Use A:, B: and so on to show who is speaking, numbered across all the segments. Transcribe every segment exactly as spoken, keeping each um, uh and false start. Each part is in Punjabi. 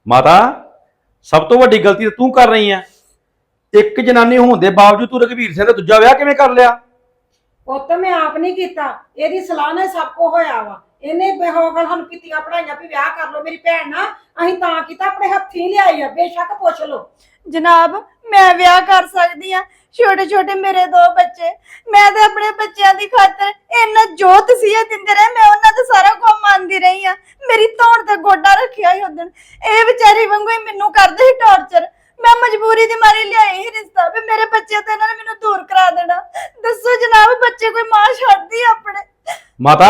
A: ਮਾਤਾ ਸਭ ਤੋਂ ਵੱਡੀ ਗਲਤੀ ਤਾਂ ਤੂੰ ਕਰ ਰਹੀ ਆ। ਇੱਕ ਜਨਾਨੀ ਹੋਣ ਦੇ ਬਾਵਜੂਦ ਤੂੰ ਰਘਵੀਰ ਸਿੰਘ ਦਾ ਦੂਜਾ ਵਿਆਹ ਕਿਵੇਂ ਕਰ ਲਿਆ?
B: ਪੁੱਤ ਮੈਂ ਆਪ ਨਹੀਂ ਕੀਤਾ, ਇਹਦੀ ਸਲਾਹ ਨਾਲ ਸਭ ਕੁਝ ਹੋਇਆ ਵਾ। ਇਹਨੇ ਬੇਹੋਗਲ ਸਾਨੂੰ ਕੀਤੀਆਂ ਪੜਾਈਆਂ ਵੀ ਵਿਆਹ ਕਰ ਲਓ ਮੇਰੀ ਭੈਣ ਨਾਲ, ਅਸੀਂ ਤਾਂ ਕੀਤਾ ਆਪਣੇ ਹੱਥੀਂ ਲਿਆਈ ਆ। ਬੇਸ਼ੱਕ ਪੁੱਛ ਲਓ।
C: ਜਨਾਬ ਮੈਂ ਵਿਆਹ ਕਰ ਸਕਦੀ ਆ, ਛੋਟੇ ਛੋਟੇ ਮੇਰੇ ਦੋ ਬੱਚੇ, ਮੈਂ ਤੇ ਆਪਣੇ ਬੱਚਿਆਂ ਦੀ ਖਾਤਰ ਇੰਨਾ ਜੋ ਤਸੀਹੇ ਦਿੰਦੇ ਰਹੇ ਮੈਂ ਉਹਨਾਂ ਦਾ ਸਾਰਾ ਕੁਝ ਮੰਨਦੀ ਰਹੀ ਆ। ਮੇਰੀ ਧੌਣ ਤੇ ਗੋਡਾ ਰੱਖਿਆ ਹੀ ਉਦਣ, ਇਹ ਵਿਚਾਰੀ ਵਾਂਗੂ ਹੀ ਮੈਨੂੰ ਕਰਦੇ ਸੀ ਟੌਰਚਰ। ਮੈਂ ਮਜਬੂਰੀ ਦੀ ਮਾਰੀ ਲਿਆਈ ਹੀ ਰਿਸ਼ਤਾ ਵੀ ਮੇਰੇ ਬੱਚੇ ਤੇ ਇਹਨਾਂ ਨੇ ਮੈਨੂੰ ਦੂਰ ਕਰਾ ਦੇਣਾ। ਦੱਸੋ ਜਨਾਬ ਬੱਚੇ ਕੋਈ ਮਾਂ ਛੱਡਦੀ ਆ ਆਪਣੇ?
A: ਮਾਤਾ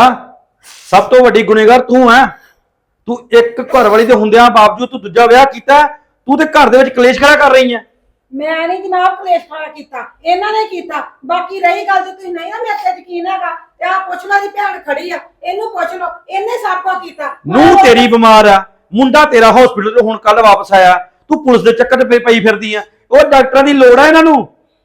A: ਸਭ ਤੋਂ ਵੱਡੀ ਗੁਨੇਗਾਰ ਤੂੰ ਹੈ। ਤੂੰ ਇੱਕ ਘਰ ਵਾਲੀ ਦੇ ਹੁੰਦਿਆਂ ਬਾਵਜੂਦ ਤੂੰ ਦੂਜਾ ਵਿਆਹ ਕੀਤਾ। ਤੂੰ ਤੇ ਘਰ ਦੇ ਵਿੱਚ ਕਲੇਸ਼ ਖੜਾ ਕਰ ਰਹੀ ਹੈ।
B: ਮੈਂ ਨਹੀਂ ਜਨਾਬ ਕਲੇਸ਼ ਖੜਾ ਕੀਤਾ, ਇਹਨਾਂ ਨੇ ਕੀਤਾ। ਬਾਕੀ ਰਹੀ ਗੱਲ ਜੇ ਤੁਸੀਂ ਨਹੀਂ ਨਾ ਮੇਰੇ ਤੇ ਯਕੀਨ ਹੈਗਾ ਤੇ ਆ ਪੁੱਛ ਲਾ ਦੀ ਭੈਣ ਖੜੀ ਆ, ਇਹਨੂੰ ਪੁੱਛ ਲਓ, ਇਹਨੇ ਸਭ ਕੁਝ ਕੀਤਾ।
A: ਨੂੰ ਤੇਰੀ ਬਿਮਾਰ ਆ, ਮੁੰਡਾ ਤੇਰਾ ਹਸਪੀਟਲ ਤੋਂ ਹੁਣ ਕੱਲ ਵਾਪਸ ਆਇਆ, ਤੂੰ ਪੁਲਿਸ ਦੇ ਚੱਕਰ ਤੇ ਪਈ ਫਿਰਦੀ ਆ। ਉਹ ਡਾਕਟਰਾਂ ਦੀ ਲੋੜ ਆ ਇਹਨਾਂ ਨੂੰ।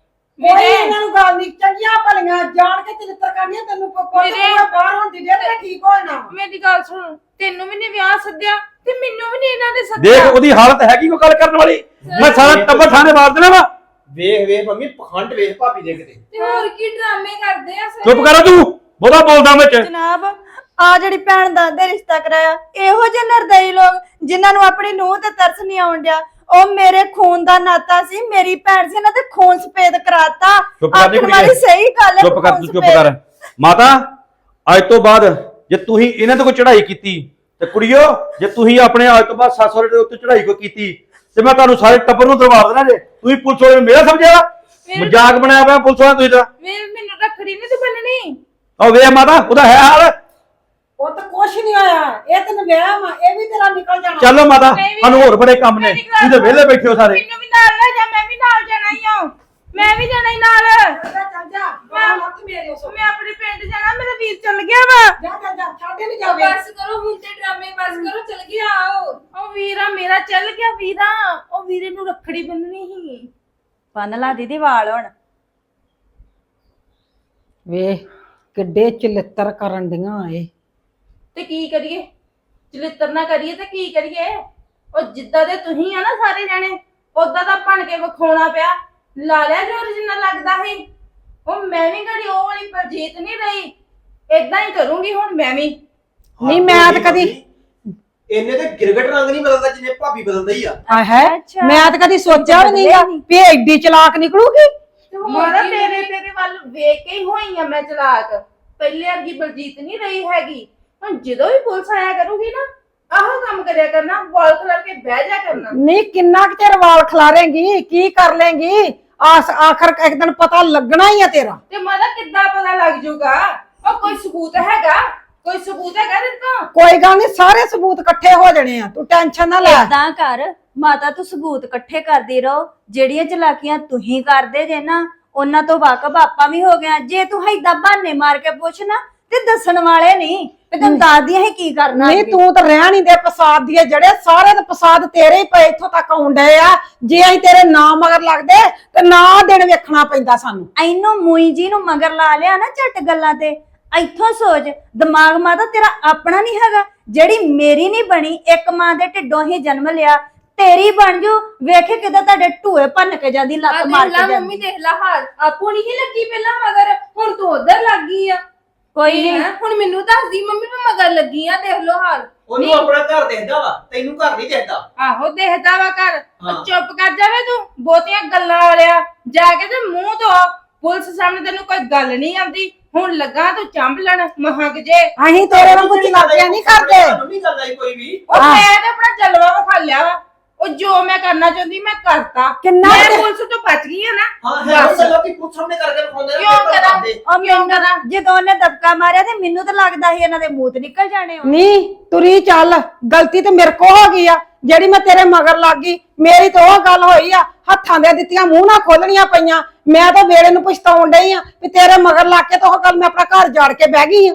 B: ਕੋਈ ਇਹਨਾਂ ਨੂੰ ਗੱਲ ਨਹੀਂ, ਚੰਗੀਆਂ ਭਲੀਆਂ ਜਾਣ ਕੇ ਚਿੱਤਰ ਕਰਨੀਆਂ। ਤੈਨੂੰ ਕੋਈ ਬਾਹਰ ਹੋਣ ਦੀ ਦੇਰ ਠੀਕ ਹੋ ਜਾਣਾ।
D: ਮੇਰੀ ਗੱਲ ਸੁਣ, ਤੈਨੂੰ ਵੀ ਨਹੀਂ ਵਿਆਹ ਸੱਦਿਆ ਤੇ ਮੈਨੂੰ ਵੀ ਨਹੀਂ ਇਹਨਾਂ ਨੇ ਸੱਦਿਆ।
A: ਦੇਖ ਉਹਦੀ ਹਾਲਤ ਹੈਗੀ ਕੋਈ ਗੱਲ ਕਰਨ ਵਾਲੀ। ਮੈਂ ਸਾਰਾ ਟੱਬਰ ਥਾਣੇ ਮਾਰ ਦੇਣਾ ਵਾ।
E: ਵੇਖ ਵੇਖ ਮੰਮੀ ਪਖੰਡ ਵੇਖ ਭਾਬੀ ਦੇ ਕਿਤੇ।
D: ਤੇ ਹੋਰ ਕੀ ਡਰਾਮੇ ਕਰਦੇ ਆ ਸਾਰੇ।
A: ਚੁੱਪ ਕਰ ਤੂੰ, ਬਹੁਤਾ ਬੋਲਦਾ ਵਿੱਚ।
C: ਜਨਾਬ ਆ ਜਿਹੜੀ ਭੈਣ ਦਾ ਦੇ ਰਿਸ਼ਤਾ ਕਰਾਇਆ, ਇਹੋ ਜਿਹੇ ਨਿਰਦਈ ਲੋਕ ਜਿਨ੍ਹਾਂ ਨੂੰ ਆਪਣੀ ਨੂੰਹ ਤੇ ਤਰਸ ਨਹੀਂ ਆਉਣ ਡਿਆ। ਉਹ ਮੇਰੇ ਖੂਨ ਦਾ ਨਾਤਾ ਸੀ, ਮੇਰੀ ਭੈਣ ਸੀ, ਇਹਨਾਂ ਤੇ ਖੂਨ ਸਫੇਦ ਕਰਾਤਾ। ਆਖਣ ਵਾਲੀ ਸਹੀ ਗੱਲ ਹੈ।
A: ਚੁੱਪ ਕਰ ਤੂੰ, ਚੁੱਪ ਕਰ ਮਾਤਾ। ਅੱਜ ਤੋਂ ਬਾਅਦ ਜੇ ਤੁਸੀਂ ਇਹਨਾਂ ਤੇ ਕੋਈ ਚੜ੍ਹਾਈ ਕੀਤੀ ਤੇ ਕੁੜੀਓ, ਜੇ ਤੁਸੀਂ ਆਪਣੇ ਅੱਜ ਤੋਂ ਬਾਅਦ ਸੱਸ ਸਹੁਰੇ ਦੇ ਉੱਤੇ ਚੜ੍ਹਾਈ ਕੋਈ ਕੀਤੀ ਤੇ ਮੈਂ ਤੁਹਾਨੂੰ ਸਾਰੇ ਟੱਬਰ ਨੂੰ ਦਰਬਾਰ ਦੇਣਾ ਜੇ। ਤੁਸੀਂ ਪੁਲਿਸ ਵਾਲੇ ਮੇਰਾ ਸਮਝਿਆ ਮਜ਼ਾਕ ਬਣਾਇਆ ਪਿਆ ਪੁਲਿਸ ਵਾਲਾ ਤੁਸੀਂ ਤਾਂ।
D: ਵੇ ਮੈਨੂੰ ਰੱਖੜੀ ਨਹੀਂ ਤੇ ਬੰਨਣੀ।
A: ਉਹ ਵੇ ਮਾਤਾ ਉਹਦਾ ਹੈ ਹਾਲ।
B: ਉਹ ਤਾਂ ਕੁਛ ਨਹੀਂ ਹੋਇਆ, ਇਹ ਤੈਨੂੰ ਵਿਆਹ ਵਾ, ਇਹ ਵੀ ਤੇਰਾ ਨਿਕਲ ਜਾਣਾ।
A: ਚਲੋ ਮਾਤਾ ਸਾਨੂੰ ਹੋਰ ਬੜੇ ਕੰਮ ਨੇ, ਤੁਸੀਂ ਤੇ ਵਿਹਲੇ ਬੈਠੇ ਹੋ ਸਾਰੇ।
D: ਮੈਨੂੰ ਵੀ ਨਾਲ ਲੈ ਜਾ, ਮੈਂ ਵੀ ਨਾਲ ਜਾਣਾ ਹੀ ਆ। ਮੈਂ ਵੀ ਜਾਣਾ ਹੀ ਨਾਲ।
B: ਚੱਲ ਚੱਲ ਜਾ,
D: ਮੈਂ
B: ਮੱਤ ਮੇਰੇ ਉਸ
D: ਮੈਂ ਆਪਣੇ ਪਿੰਡ ਜਾਣਾ, ਮੇਰਾ ਵੀਰ ਚੱਲ ਗਿਆ ਵਾ।
B: ਜਾ ਜਾ ਜਾ, ਛੱਡ ਨਹੀਂ ਜਾਵੇ।
D: ਬਸ ਕਰੋ ਹੁਣ ਤੇ ਡਰਾਮੇ ਬਸ ਕਰੋ, ਚੱਲ ਗਿਆ ਆਓ। ਉਹ ਵੀਰਾ ਮੇਰਾ ਚੱਲ ਗਿਆ ਵੀਰਾ, ਉਹ ਵੀਰੇ ਨੂੰ ਰੱਖੜੀ ਬੰਨਣੀ ਸੀ।
C: ਬੰਨ ਲਾ ਦੀਦੀ ਵਾਲ ਹੁਣ।
B: ਵੇ ਕਿੱਡੇ ਚਲਿੱਤਰ ਕਰਨ ਡੀਆਂ ਏ।
D: ਤੇ ਕੀ ਕਰੀਏ, ਚਲਿੱਤਰ ਨਾ ਕਰੀਏ ਤੇ ਕੀ ਕਰੀਏ। ਉਹ ਜਿੱਦਾਂ ਦੇ ਤੁਸੀਂ ਆ ਨਾ ਸਾਰੇ ਜਾਣੇ, ਉਦਾਂ ਦਾ ਬਣ ਕੇ ਵਿਖਾਉਣਾ ਪਿਆ। ਲਾ ਲਿਆ ਜੋ ਜਿੰਨਾ ਲੱਗਦਾ ਸੀ। ਉਹ ਮੈਂ ਵੀ ਘੜੀ ਉਹ ਵਾਲੀ ਪਰਜੀਤ ਨਹੀਂ ਰਹੀ, ਏਦਾਂ ਹੀ ਕਰੂੰਗੀ ਹੁਣ ਮੈਂ ਵੀ।
B: ਨਹੀਂ ਮੈਂ ਤਾਂ ਕਦੀ
E: ਇਹਨੇ ਤੇ ਗਿਰਗਟ ਰੰਗ ਨਹੀਂ ਬਦਲਦਾ ਜਿੰਨੇ ਭਾਬੀ ਬਦਲਦਾ ਹੀ ਆ।
B: ਆ ਹੈ, ਮੈਂ ਤਾਂ ਕਦੀ ਸੋਚਿਆ ਵੀ ਨਹੀਂਗਾ ਵੀ ਇਹ ਐਡੀ ਚਲਾਕ ਨਿਕਲੂਗੀ।
D: ਮਾਰਾ ਤੇਰੇ ਤੇਰੇ ਵੱਲ ਵੇਖ ਕੇ ਹੀ ਹੋਈ ਆ ਮੈਂ ਚਲਾਕ। ਪਹਿਲੇ ਵਰਗੀ ਬਲਜੀਤ ਨਹੀਂ ਰਹੀ ਹੈਗੀ। ਹੁਣ ਜਦੋਂ ਵੀ ਪੁਲਿਸ ਆਇਆ ਕਰੂਗੀ ਨਾ, ਆਹ ਕੰਮ ਕਰਿਆ ਕਰਨਾ, ਵਾਲ ਖਲਰ ਕੇ ਬਹਿ ਜਾ ਕਰਨਾ।
B: ਨਹੀਂ ਕਿੰਨਾ ਕੁ ਚਿਰ ਵਾਲ ਖਲਾਰੇਂਗੀ, ਕੀ ਕਰ ਲੇਂਗੀ? ਆਸ ਆਖਰ ਇੱਕ ਦਿਨ ਪਤਾ ਲੱਗਣਾ ਹੀ ਆ ਤੇਰਾ।
D: ਤੇ ਮਾਦਾ ਕਿੱਦਾਂ ਪਤਾ ਲੱਗ ਜੂਗਾ? ਉਹ ਕੋਈ ਸਬੂਤ ਹੈਗਾ? ਕੋਈ ਸਬੂਤ ਹੈਗਾ ਤੇਰੇ ਕੋਲ?
B: ਕੋਈ ਗੱਲ ਨਹੀਂ, ਸਾਰੇ ਸਬੂਤ ਇਕੱਠੇ ਹੋ ਜਾਣੇ ਆ, ਤੂੰ ਟੈਨਸ਼ਨ ਨਾ ਲੈ।
C: ਏਦਾਂ ਕਰ ਮਾਤਾ, ਤੂੰ ਸਬੂਤ ਇਕੱਠੇ ਕਰਦੀ ਰਹੋ। ਜਿਹੜੀਆਂ ਚਲਾਕੀਆਂ ਤੁਸੀਂ ਕਰਦੇ ਜੇ ਨਾ, ਉਹਨਾਂ ਤੋਂ ਵਾਕਬ ਆਪਾਂ ਵੀ ਹੋ ਗਏ। ਜੇ ਤੂੰ ਏਦਾਂ ਬਹਾਨੇ ਮਾਰ ਕੇ ਪੁੱਛ ਨਾ ਤੇ ਦੱਸਣ ਵਾਲੇ ਨਹੀਂ ਤੇ ਤੈਨੂੰ ਦੱਸਦੀਆਂ ਹੀ ਕੀ ਕਰਨਾ।
B: ਨਹੀਂ ਤੂੰ ਤਾਂ ਰਹਿ ਨਹੀਂ ਦੇ ਪਸਾਦ ਦੀ, ਜਿਹੜੇ ਸਾਰੇ ਦੇ ਪਸਾਦ ਤੇਰੇ ਹੀ ਪਏ ਇੱਥੋਂ ਤੱਕ ਆਉਂਦੇ ਆ। ਜੇ ਅਸੀਂ ਤੇਰੇ ਨਾਂ ਮਗਰ ਲੱਗਦੇ ਤੇ ਨਾ ਦਿਨ ਵੇਖਣਾ ਪੈਂਦਾ ਸਾਨੂੰ।
C: ਐਨੂੰ ਮੂਈ ਜੀ ਨੂੰ ਮਗਰ ਲਾ ਲਿਆ ਨਾ ਝਟ ਗੱਲਾਂ ਤੇ। ਇੱਥੋਂ ਸੋਚ, ਦਿਮਾਗ ਮਾਤਾ ਤੇਰਾ ਆਪਣਾ ਨਹੀਂ ਹੈਗਾ। ਜਿਹੜੀ ਮੇਰੀ ਨਹੀਂ ਬਣੀ, ਇੱਕ ਮਾਂ ਦੇ ਢਿੱਡੋਂ ਹੀ ਜਨਮ ਲਿਆ, ਤੇਰੀ ਬਣ ਜੂ। ਵੇਖੇ ਕਿਦਾਂ ਤੁਹਾਡੇ ਢੂਏ ਭੰਨ ਕੇ ਜਾਂਦੀ, ਲੱਤ ਮਾਰ ਕੇ ਜਾਂਦੀ।
D: ਮੰਮੀ ਦੇਖ ਲਾ ਹਾਲ, ਆਪੋ ਨਹੀਂ ਲੱਗੀ ਪਹਿਲਾਂ ਮਗਰ, ਹੁਣ ਤੂੰ ਉਧਰ ਲੱਗ ਗਈ ਆ।
C: ਕੋਈ ਨਹੀਂ,
D: ਹੁਣ ਮੈਨੂੰ ਦੱਸਦੀ ਮੰਮੀ ਮੈਂ ਮਗਰ ਲੱਗੀ ਆ, ਦੇਖ ਲੋ ਹਾਲ।
E: ਉਹਨੂੰ ਆਪਣਾ ਘਰ ਦੇਖਦਾ ਵਾ, ਤੈਨੂੰ ਘਰ ਨਹੀਂ ਦੇਖਦਾ।
D: ਆਹੋ ਦੇਖਦਾ ਵਾ ਘਰ। ਚੁੱਪ ਕਰ ਜਾਵੇ ਤੂੰ, ਬਹੁਤੀਆਂ ਗੱਲਾਂ ਵਾਲਿਆ। ਜਾ ਕੇ ਤੇ ਮੂੰਹ ਧੋ, ਪੁਲਿਸ ਸਾਹਮਣੇ ਤੈਨੂੰ ਕੋਈ ਗੱਲ ਨਹੀਂ ਆਉਂਦੀ। ਹੁਣ ਲੱਗਾ ਤੂੰ ਚੰਬਲਣ ਮਹਕ ਜੇ।
B: ਅਸੀਂ ਤੇਰੇ ਵਾਂਗੂ ਚਲਾਕੀਆਂ ਨਹੀਂ ਕਰਦੇ।
E: ਤੁਹਾਨੂੰ ਨਹੀਂ ਗੱਲ ਆਈ ਕੋਈ ਵੀ।
D: ਉਹ ਮੈਂ ਤੇ ਆਪਣਾ ਜਲਵਾ ਵਿਖਾ ਲਿਆ ਵਾ। ਉਹ ਜੋ ਮੈਂ ਕਰਨਾ ਚਾਹੁੰਦੀ ਮੈਂ ਕਰਤਾ।
B: ਕਿੰਨਾ
D: ਮੈਂ
B: ਕੁ-
D: ਪੁਲਿਸ ਤੋਂ ਬਚ ਗਈ ਆ ਨਾ।
E: ਹਾਂ ਹੈ ਉਹ ਗੱਲਾਂ ਕਿ ਪੁੱਛ ਸਾਹਮਣੇ ਕਰਕੇ ਵਿਖਾਉਂਦੇ
D: ਕਿਉਂ ਕਰਾਂ?
C: ਉਹ ਮੈਨੂੰ ਜਦੋਂ ਉਹਨੇ ਦਬਕਾ ਮਾਰਿਆ ਤੇ ਮੈਨੂੰ ਤਾਂ ਲੱਗਦਾ ਸੀ ਇਹਨਾਂ ਦੇ ਮੂੰਹ ਨਿਕਲ ਜਾਣੇ।
B: ਨਹੀਂ ਤੁਰੀ ਚੱਲ, ਗਲਤੀ ਤੇ ਮੇਰੇ ਕੋ ਹੋ ਗਈ ਆ ਜਿਹੜੀ ਮੈਂ ਤੇਰੇ ਮਗਰ ਲੱਗ ਗਈ। ਮੇਰੀ ਤਾਂ ਉਹ ਗੱਲ ਹੋਈ ਆ, ਹੱਥਾਂ ਦੇ ਦਿੱਤੀਆਂ ਮੂੰਹ ਨਾਲ ਖੋਲਣੀਆਂ ਪਈਆਂ। ਮੈਂ ਤਾਂ ਵੇਲੇ ਨੂੰ ਪਛਤਾਉਣ ਡਈ ਆ ਵੀ ਤੇਰੇ ਮਗਰ ਲੱਗ ਕੇ ਤਾਂ ਉਹ ਗੱਲ ਮੈਂ ਆਪਣਾ ਘਰ ਜਾੜ ਕੇ ਬਹਿ ਗਈ ਆ।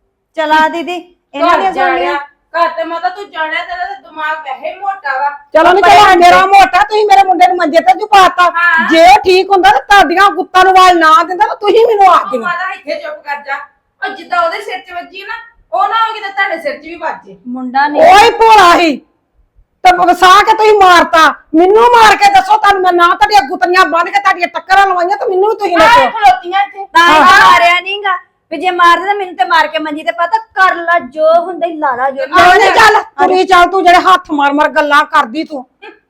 C: ਚਲਾ ਦੀਦੀ ਇਹਨਾਂ ਦੀਆਂ
D: ਜਾਣਿਆ ਘਰ ਤੇ ਮਾਤਾ ਤੂੰ ਜਾਣਿਆ, ਤੇਰਾ ਤਾਂ ਦਿਮਾਗ ਵੈਸੇ ਮੋਟਾ ਵਾ।
B: ਚਲੋ ਨਹੀਂ ਚਲੋ, ਮੇਰਾ ਮੋਟਾ, ਤੁਸੀਂ ਮੇਰੇ ਮੁੰਡੇ ਨੂੰ ਮੰਜੇ ਤੇ ਝੁਕਾਤਾ। ਜੇ ਉਹ ਠੀਕ ਹੁੰਦਾ ਤਾਂ ਤੁਹਾਡੀਆਂ ਗੁੱਤਾਂ ਨੂੰ ਵਾਲ ਨਾ ਦਿੰਦਾ ਤਾਂ ਤੁਸੀਂ ਮੈਨੂੰ ਆਖ ਦਿਓ।
D: ਮਾਤਾ ਇੱਥੇ ਚੁੱਪ ਕਰ ਜਾ। ਉਹ ਜਿੱਦਾਂ ਉਹਦੇ ਸਿਰ 'ਚ ਵੱਜੀ ਨਾ, ਉਹ ਨਾ ਹੋਵੇ ਕਿ ਤੁਹਾਡੇ ਸਿਰ 'ਚ ਵੀ ਵੱਜੇ।
C: ਮੁੰਡਾ ਨਹੀਂ
B: ਓਏ ਭੋਲਾ ਹੀ ਤੇ ਵਸਾ ਕੇ ਤੁਸੀਂ ਮਾਰਤਾ ਮੈਨੂੰ ਮਾਰ ਕੇ ਦੱਸੋ ਤੁਹਾਨੂੰ ਮੈਂ ਨਾ ਤੁਹਾਡੀਆਂ ਗੁੱਤਨੀਆਂ ਬੰਨ ਕੇ ਤੁਹਾਡੀਆਂ ਟੱਕਰਾਂ ਲਵਾਈਆਂ ਤੇ ਮੈਨੂੰ ਵੀ ਤੁਸੀਂ
D: ਆਹ
B: ਦੱਸੋ
D: ਖਲੋਤੀਆਂ ਇੱਥੇ
C: ਤਾਂ ਹੀ ਤਾਂ ਮਾਰਿਆ ਨਹੀਂਗਾ ਵੀ ਜੇ ਮਾਰਦੇ ਤਾਂ ਮੈਨੂੰ ਤੇ ਮਾਰ ਕੇ ਮੰਜੀ ਤੇ ਪਤਾ ਕਰ ਲਾ ਜੋ ਹੁੰਦਾ ਹੀ ਲਾਲਾ ਜੋ
B: ਨਹੀਂ ਚੱਲ ਤੁਰੀ ਚੱਲ ਤੂੰ ਜਿਹੜੇ ਹੱਥ ਮਾਰ ਮਾਰ ਗੱਲਾਂ ਕਰਦੀ ਤੂੰ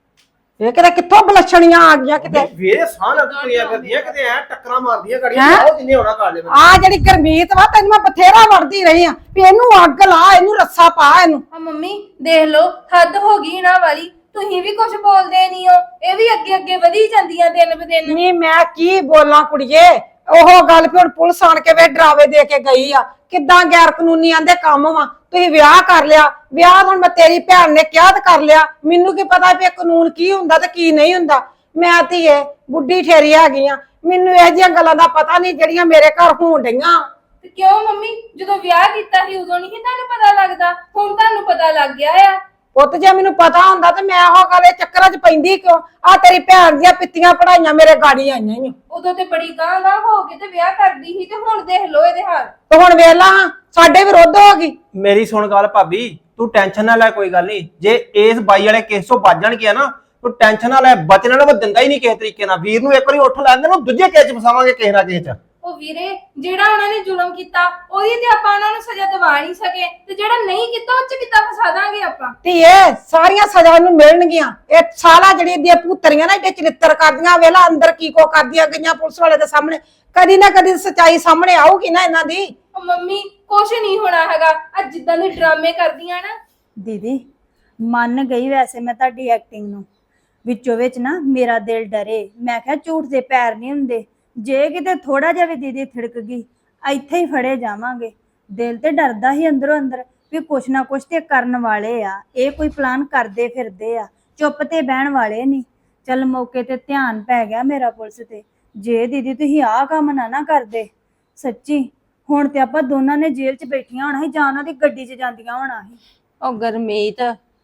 B: ਇਹ ਕਿਤੇ ਕਿੱਥੋਂ ਬਲਛਣੀਆਂ ਆ ਗਈਆਂ ਕਿਤੇ
E: ਵੇਰੇ ਸਾਹ ਲੱਗ ਤੁਰਿਆ ਕਰਦੀਆਂ ਕਿਤੇ ਐ ਟੱਕਰਾਂ ਮਾਰਦੀਆਂ ਗਾੜੀਆਂ
B: ਹੈਂ?
E: ਬਹੁਤ ਜਿੰਨੇ ਹੋਣਾ ਕਰ ਲੈ
B: ਆ ਜਿਹੜੀ ਗਰਮੀਤ ਵਾ ਤੈਨੂੰ ਮੈਂ ਬਥੇਰਾ ਵੜਦੀ ਰਹੀ ਆ ਵੀ ਇਹਨੂੰ ਅੱਗ ਲਾ ਇਹਨੂੰ ਰੱਸਾ ਪਾ ਇਹਨੂੰ
F: ਆ ਮੰਮੀ ਦੇਖ ਲਓ ਹੱਦ ਹੋ ਗਈ ਇਹਨਾਂ ਵਾਲੀ ਤੁਸੀਂ ਵੀ ਕੁਝ ਬੋਲਦੇ ਨਹੀਂ ਹੋ ਇਹ ਵੀ ਅੱਗੇ ਅੱਗੇ ਵਧੀ ਜਾਂਦੀਆਂ ਦਿਨ ਬ ਦਿਨ
B: ਨਹੀਂ ਮੈਂ ਕੀ ਬੋਲਾਂ ਕੁੜੀਏ ਉਹ ਗੱਲ ਵੀ ਹੁਣ ਪੁਲਿਸ ਆਣ ਕੇ ਵੇ ਡਰਾਵੇ ਦੇ ਕੇ ਗਈ ਆ ਕਿੱਦਾਂ ਗੈਰ ਕਾਨੂੰਨੀ ਆਂਦੇ ਕੰਮ ਵਾ ਤੁਸੀਂ ਵਿਆਹ ਕਰ ਲਿਆ ਵਿਆਹ ਹੁਣ ਮੈਂ ਤੇਰੀ ਭੈਣ ਨੇ ਕਿਹਾ ਤੇ ਕਰ ਲਿਆ ਮੈਨੂੰ ਕੀ ਪਤਾ ਵੀ ਇਹ ਕਾਨੂੰਨ ਕੀ ਹੁੰਦਾ ਤੇ ਕੀ ਨਹੀਂ ਹੁੰਦਾ ਮੈਂ ਧੀਏ ਬੁੱਢੀ ਠੇਰੀ ਹੈਗੀ ਆ ਮੈਨੂੰ ਇਹ ਜਿਹੀਆਂ ਗੱਲਾਂ ਦਾ ਪਤਾ ਨਹੀਂ ਜਿਹੜੀਆਂ ਮੇਰੇ ਘਰ ਹੋਣ ਡਈਆਂ
F: ਤੇ ਕਿਉਂ ਮੰਮੀ ਜਦੋਂ ਵਿਆਹ ਕੀਤਾ ਸੀ ਉਦੋਂ ਨਹੀਂ ਤੁਹਾਨੂੰ ਪਤਾ ਲੱਗਦਾ ਹੁਣ ਤੁਹਾਨੂੰ ਪਤਾ ਲੱਗ ਗਿਆ ਆ
B: ਪੁੱਤ ਜੇ ਮੈਨੂੰ ਪਤਾ ਹੁੰਦਾ ਤੇ ਮੈਂ ਉਹ ਗੱਲ ਇਹ ਚੱਕਰਾਂ 'ਚ ਪੈਂਦੀ ਕਿਉਂ ਆ ਤੇਰੀ ਭੈਣ ਦੀਆਂ ਪਿੱਤੀਆਂ ਪੜਾਈਆਂ ਮੇਰੇ ਗਾੜੀ ਆਈਆਂ ਈ ਓ।
F: ਉਦੋਂ ਤੇ ਬੜੀ ਗਾਂ ਗਾਂ ਹੋ ਕੇ ਤੇ ਵਿਆਹ ਕਰਦੀ ਸੀ ਤੇ ਹੁਣ ਦੇਖ ਲਓ ਇਹਦੇ ਹਾਲ
B: ਤੇ ਹੁਣ ਵੇਖ ਲਾ ਸਾਡੇ ਵਿਰੁੱਧ ਹੋ ਗਈ
E: ਮੇਰੀ ਸੁਣ ਗੱਲ ਭਾਬੀ ਤੂੰ ਟੈਨਸ਼ਨ ਨਾ ਲੈ ਕੋਈ ਗੱਲ ਨਹੀਂ ਜੇ ਇਸ ਬਾਈ ਵਾਲੇ ਕੇਸ ਤੋਂ ਬਚ ਜਾਣ ਗਿਆ ਨਾ ਤੂੰ ਟੈਨਸ਼ਨ ਨਾ ਲੈ ਬਚਣ ਨਾਲ ਮੈਂ ਦਿੰਦਾ ਹੀ ਨਹੀਂ ਕਿਸੇ ਤਰੀਕੇ ਨਾਲ ਵੀਰ ਨੂੰ ਇੱਕ ਵਾਰੀ ਉੱਠ ਲੈਂਦੇ ਨੂੰ ਦੂਜੇ ਕੇਸ 'ਚ ਫਸਾਵਾਂਗੇ ਕਿਸੇ ਨਾ ਕਿਸੇ 'ਚ
F: ਉਹ ਵੀਰੇ ਜਿਹੜਾ ਉਹਨਾਂ ਨੇ ਜ਼ੁਲਮ ਕੀਤਾ ਉਹਦੀ ਤੇ ਆਪਾਂ ਉਹਨਾਂ ਨੂੰ ਸਜ਼ਾ ਦਿਵਾ ਨਹੀਂ ਸਕੇ ਤੇ ਜਿਹੜਾ ਨਹੀਂ ਕੀਤਾ ਉਹ 'ਚ ਕਿੱਦਾਂ ਫਸਾ ਦਾਂਗੇ ਆਪਾਂ
B: ਧੀਏ ਸਾਰੀਆਂ ਸਜ਼ਾ ਨੂੰ ਮਿਲਣਗੀਆਂ ਇਹ ਸਾਲਾ ਜਿਹੜੀ ਇਹਦੀਆਂ ਪੁੱਤਰੀਆਂ ਨਾ ਏਡੇ ਚਰਿੱਤਰ ਕਰਦੀਆਂ ਵੇਲਾ ਅੰਦਰ ਕੀ ਕੋ ਕਰਦੀਆਂ ਗਈਆਂ ਪੁਲਿਸ ਵਾਲੇ ਦੇ ਸਾਹਮਣੇ ਕਦੀ ਨਾ ਕਦੀ ਸੱਚਾਈ ਸਾਹਮਣੇ ਆਊਗੀ ਨਾ ਇਹਨਾਂ ਦੀ
F: ਉਹ ਮੰਮੀ ਕੁਛ ਨਹੀਂ ਹੋਣਾ ਹੈਗਾ ਅੱਜ ਜਿੱਦਾਂ ਦੇ ਡਰਾਮੇ ਕਰਦੀਆਂ ਨਾ
C: ਦੀਦੀ ਮੰਨ ਗਈ ਵੈਸੇ ਮੈਂ ਤੁਹਾਡੀ ਐਕਟਿੰਗ ਨੂੰ ਵਿੱਚੋਂ ਵਿੱਚ ਨਾ ਮੇਰਾ ਦਿਲ ਡਰੇ ਮੈਂ ਕਿਹਾ ਝੂਠ ਦੇ ਪੈਰ ਨਹੀਂ ਹੁੰਦੇ ਜੇ ਕਿਤੇ ਥੋੜਾ ਜਿਹਾ ਵੀ ਦੀਦੀ ਥਿੜਕ ਗਈ ਇੱਥੇ ਹੀ ਫੜੇ ਜਾਵਾਂਗੇ ਦਿਲ ਤੇ ਡਰਦਾ ਹੀ ਅੰਦਰੋਂ ਅੰਦਰ ਵੀ ਕੁਛ ਨਾ ਕੁਛ ਤੇ ਕਰਨ ਵਾਲੇ ਆ ਇਹ ਕੋਈ ਪਲਾਨ ਕਰਦੇ ਫਿਰਦੇ ਆ ਚੁੱਪ ਤੇ ਬਹਿਣ ਵਾਲੇ ਨਹੀਂ ਚੱਲ ਮੌਕੇ ਤੇ ਧਿਆਨ ਪੈ ਗਿਆ ਮੇਰਾ ਪੁਲਿਸ ਤੇ ਜੇ ਦੀਦੀ ਤੁਸੀਂ ਆਹ ਕੰਮ ਨਾ ਨਾ ਕਰਦੇ ਸੱਚੀ ਹੁਣ ਤੇ ਆਪਾਂ ਦੋਨਾਂ ਨੇ ਜੇਲ੍ਹ 'ਚ ਬੈਠੀਆਂ ਹੋਣਾ ਸੀ ਜਾਂ ਉਹਨਾਂ ਦੀ ਗੱਡੀ 'ਚ ਜਾਂਦੀਆਂ ਹੋਣਾ ਸੀ
D: ਉਹ ਗਰਮੀਤ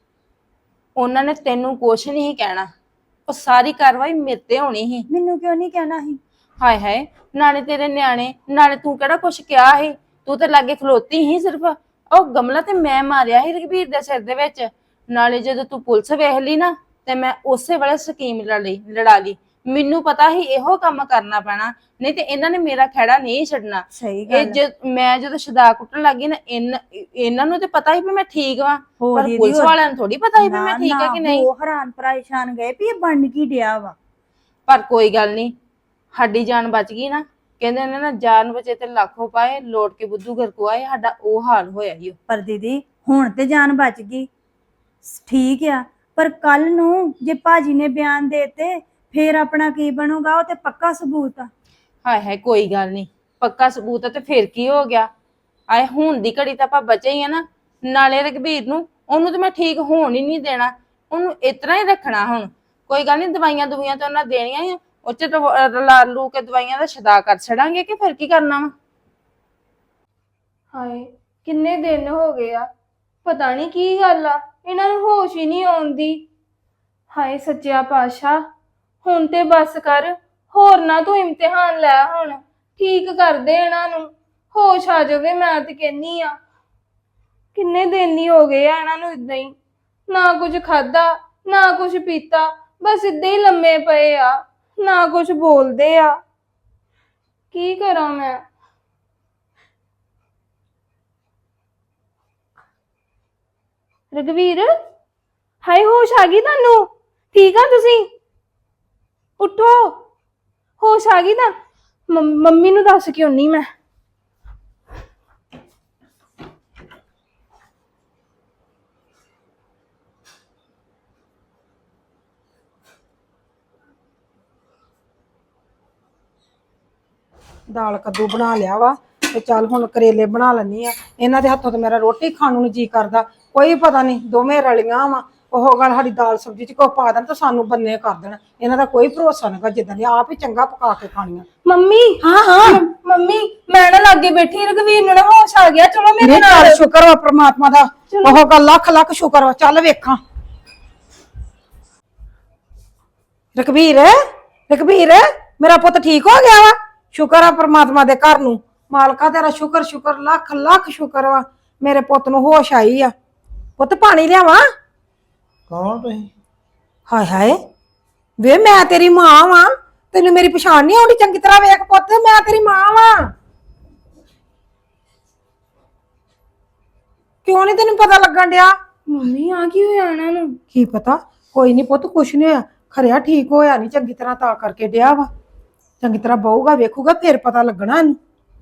D: ਉਹਨਾਂ ਨੇ ਤੈਨੂੰ ਕੁਛ ਨਹੀਂ ਕਹਿਣਾ ਉਹ ਸਾਰੀ ਕਾਰਵਾਈ ਮੇਰੇ ਤੇ ਹੋਣੀ ਸੀ
C: ਮੈਨੂੰ ਕਿਉਂ ਨਹੀਂ ਕਹਿਣਾ ਸੀ
D: ਹਾਏ ਹਾਏ ਨਾਲੇ ਤੇਰੇ ਨਿਆਣੇ ਨਾਲੇ ਤੂੰ ਕਿਹੜਾ ਕੁਛ ਕਿਹਾ ਸੀ ਤੂੰ ਤੇ ਲਾਗੇ ਖਲੋਤੀ ਸੀ ਸਿਰਫ ਉਹ ਗਮਲਾ ਤੇ ਮੈਂ ਮਾਰਿਆ ਸੀ ਰਘਬੀਰ ਦੇ ਸਿਰ ਦੇ ਵਿੱਚ ਨਾਲੇ ਜਦੋਂ ਤੂੰ ਪੁਲਿਸ ਵੇਖ ਲਈ ਨਾ ਤੇ ਮੈਂ ਉਸੇ ਵੇਲੇ ਸਕੀਮ ਲੜ ਲਈ ਲੜਾ ਲਈ ਮੈਨੂੰ ਪਤਾ ਸੀ ਇਹੋ ਕੰਮ ਕਰਨਾ ਪੈਣਾ ਨਹੀਂ ਤੇ ਇਹਨਾਂ ਨੇ ਮੇਰਾ ਖਹਿੜਾ ਨਹੀਂ ਛੱਡਣਾ
C: ਸਹੀ
D: ਇਹ
C: ਗੱਲ
D: ਜ ਮੈਂ ਜਦੋਂ ਸ਼ਦਾ ਕੁੱਟਣ ਲੱਗੀ ਨਾ ਇਨ- ਇਹਨਾਂ ਨੂੰ ਤੇ ਪਤਾ ਹੀ ਵੀ ਮੈਂ ਠੀਕ ਵਾਂ
C: ਹੋਰ
D: ਪਰ
C: ਦੀਦੀ,
D: ਪੁਲਿਸ
C: ਹੋਰ-
D: ਵਾਲਿਆਂ ਨੂੰ ਥੋੜੀ ਪਤਾ ਹੀ ਵੀ ਮੈਂ ਠੀਕ ਆ ਕਿ ਨਹੀਂ
C: ਉਹ ਹੈਰਾਨ ਪਰੇਸ਼ਾਨ ਗਏ ਵੀ ਇਹ ਬਣ ਕੀ ਡਿਆ ਵਾ
D: ਪਰ ਕੋਈ ਗੱਲ ਨਹੀਂ ਸਾਡੀ ਜਾਨ ਬਚ ਗਈ ਨਾ ਕਹਿੰਦੇ ਨੇ ਨਾ ਜਾਨ ਬਚੇ ਤੇ ਲੱਖੋਂ ਪਾਏ ਲੋਟ ਕੇ ਬੁੱਧੂ ਘਰ ਕੋ ਆਏ ਸਾਡਾ ਉਹ ਹਾਲ ਹੋਇਆ ਹੀ
C: ਪਰ ਦੀਦੀ ਹੁਣ ਤੇ ਜਾਨ ਬਚ ਗਈ ਠੀਕ ਆ ਪਰ ਕੱਲ ਨੂੰ ਜੇ ਭਾਜੀ ਨੇ ਬਿਆਨ ਦੇਤੇ ਫੇਰ ਆਪਣਾ ਕੀ ਬਣੂਗਾ ਉਹ ਤੇ ਪੱਕਾ ਸਬੂਤ ਆ
D: ਹਾਏ ਹਾਏ ਕੋਈ ਗੱਲ ਨਹੀਂ ਪੱਕਾ ਸਬੂਤ ਆ ਤੇ ਫਿਰ ਕੀ ਹੋ ਗਿਆ ਆਏ ਹੁਣ ਦੀ ਘੜੀ ਤਾਂ ਆਪਾਂ ਬਚੇ ਹੀ ਆ ਨਾ ਨਾਲੇ ਰਘਬੀਰ ਨੂੰ ਉਹਨੂੰ ਤੇ ਮੈਂ ਠੀਕ ਹੋਣ ਹੀ ਨਹੀਂ ਦੇਣਾ ਉਹਨੂੰ ਇਤਨਾ ਹੀ ਰੱਖਣਾ ਹੁਣ ਕੋਈ ਗੱਲ ਨਹੀਂ ਦਵਾਈਆਂ ਦੁਵਾਈਆਂ ਤਾਂ ਉਹਨਾਂ ਦੇਣੀਆਂ ਹੀ ਆ ਉਹ ਚ ਰਲਾ ਲੂ ਕੇ ਦਵਾਈਆਂ ਦਾ ਛਦਾ ਕਰ ਛੜਾਂਗੇ ਕਿ ਫਿਰ ਕੀ ਕਰਨਾ ਵਾ
F: ਹਾਏ ਕਿੰਨੇ ਦਿਨ ਹੋ ਗਏ ਆ ਪਤਾ ਨਹੀਂ ਕੀ ਗੱਲ ਆ ਇਹਨਾਂ ਨੂੰ ਹੋਸ਼ ਹੀ ਨਹੀਂ ਆਉਂਦੀ ਹਾਏ ਸੱਚਿਆ ਪਾਤਸ਼ਾਹ ਹੁਣ ਤੇ ਬਸ ਕਰ ਹੋਰ ਨਾ ਤੂੰ ਇਮਤਿਹਾਨ ਲੈ ਹੁਣ ਠੀਕ ਕਰ ਦੇ ਇਹਨਾਂ ਨੂੰ ਹੋਸ਼ ਆ ਜਾਵੇ ਮੈਂ ਤੇ ਕਹਿੰਨੀ ਆ ਕਿੰਨੇ ਦਿਨ ਹੀ ਹੋ ਗਏ ਆ ਇਹਨਾਂ ਨੂੰ ਇਦਾਂ ਹੀ ਨਾ ਕੁਝ ਖਾਦਾ ਨਾ ਕੁਝ ਪੀਤਾ ਬਸ ਇਦਾਂ ਹੀ ਲੰਮੇ ਪਏ ਆ ਨਾ ਕੁਝ ਬੋਲਦੇ ਆ ਕੀ ਕਰਾਂ ਮੈਂ ਰਘਵੀਰ ਹਾਏ ਹੋਸ਼ ਆ ਗਈ ਤੁਹਾਨੂੰ ਠੀਕ ਆ ਤੁਸੀਂ ਉੱਠੋ ਹੋਸ਼ ਆ ਗਈ ਤਾਂ ਮੰਮ- ਮੰਮੀ ਨੂੰ ਦੱਸ ਕਿਉਂ ਨਹੀਂ ਮੈਂ
B: ਦਾਲ ਕੱਦੂ ਬਣਾ ਲਿਆ ਵਾ ਤੇ ਚੱਲ ਹੁਣ ਕਰੇਲੇ ਬਣਾ ਲੈਣੀ ਆ ਇਹਨਾਂ ਦੇ ਹੱਥੋਂ ਤੇ ਮੇਰਾ ਰੋਟੀ ਖਾਣ ਨੂੰ ਜੀ ਕਰਦਾ ਕੋਈ ਪਤਾ ਨਹੀਂ ਦੋਵੇਂ ਰਲੀਆਂ ਵਾ ਉਹ ਗੱਲ ਸਾਡੀ ਦਾਲ ਸਬਜ਼ੀ ਚ ਕੋ ਪਾ ਦੇਣ ਤਾਂ ਸਾਨੂੰ ਬੰਨੇ ਕਰ ਦੇਣ ਇਹਨਾਂ ਦਾ ਕੋਈ ਭਰੋਸਾ ਨਹੀਂਗਾ ਜਿੱਦਾਂ ਦੀ ਆਪ ਹੀ ਚੰਗਾ ਪਕਾ ਕੇ ਖਾਣੀਆਂ
F: ਮੰਮੀ
B: ਹਾਂ ਹਾਂ
F: ਮੰਮੀ ਮੈਂ ਨਾ ਲਾਗੇ ਬੈਠੀ ਰਘਵੀਰ ਨੂੰ ਨਾ ਹੋਸ਼ ਆ ਗਿਆ ਚਲੋ ਮੇਰੇ
B: ਨਹੀਂ
F: ਨਾਲ
B: ਚੱਲ ਸ਼ੁਕਰ ਵਾ ਪ੍ਰਮਾਤਮਾ ਦਾ ਉਹ ਗੱਲ ਲੱਖ ਲੱਖ ਸ਼ੁਕਰ ਵਾ ਚੱਲ ਵੇਖਾਂ ਰਘਬੀਰ ਰਘਬੀਰ ਮੇਰਾ ਪੁੱਤ ਠੀਕ ਹੋ ਗਿਆ ਵਾ ਸ਼ੁਕਰ ਆ ਪ੍ਰਮਾਤਮਾ ਦੇ ਘਰ ਨੂੰ ਮਾਲਕਾ ਤੇਰਾ ਸ਼ੁਕਰ ਸ਼ੁਕਰ ਲੱਖ ਲੱਖ ਸ਼ੁਕਰ ਵਾ ਮੇਰੇ ਪੁੱਤ ਨੂੰ ਹੋਸ਼ ਆਈ ਆ ਪੁੱਤ ਪਾਣੀ ਲਿਆਵਾਂ
G: ਕੌਣ ਤੁਸੀਂ?
B: ਹਾਏ ਹਾਏ ਵੇ ਮੈਂ ਤੇਰੀ ਮਾਂ ਵਾਂ, ਤੈਨੂੰ ਮੇਰੀ ਪਛਾਣ ਨਹੀਂ ਆਉਂਦੀ? ਚੰਗੀ ਤਰ੍ਹਾਂ ਵੇਖ ਪੁੱਤ, ਮੈਂ ਤੇਰੀ ਮਾਂ ਵਾਂ। ਕਿਉਂ ਨਹੀਂ ਤੈਨੂੰ ਪਤਾ ਲੱਗਣ ਡਿਆ?
F: ਮੰਮੀ ਆ ਕੀ ਹੋਇਆ ਇਹਨਾਂ ਨੂੰ?
B: ਕੀ ਪਤਾ, ਕੋਈ ਨਹੀਂ ਪੁੱਤ, ਕੁਛ ਨਹੀਂ ਹੋਇਆ। ਖਰਿਆ ਠੀਕ ਹੋਇਆ ਨਹੀਂ ਚੰਗੀ ਤਰ੍ਹਾਂ, ਤਾਂ ਕਰਕੇ ਡਿਆ ਵਾ। ਚੰਗੀ ਤਰ੍ਹਾਂ ਬਹੂਗਾ, ਵੇਖੂਗਾ, ਫੇਰ ਪਤਾ ਲੱਗਣਾ ਇਹਨੂੰ।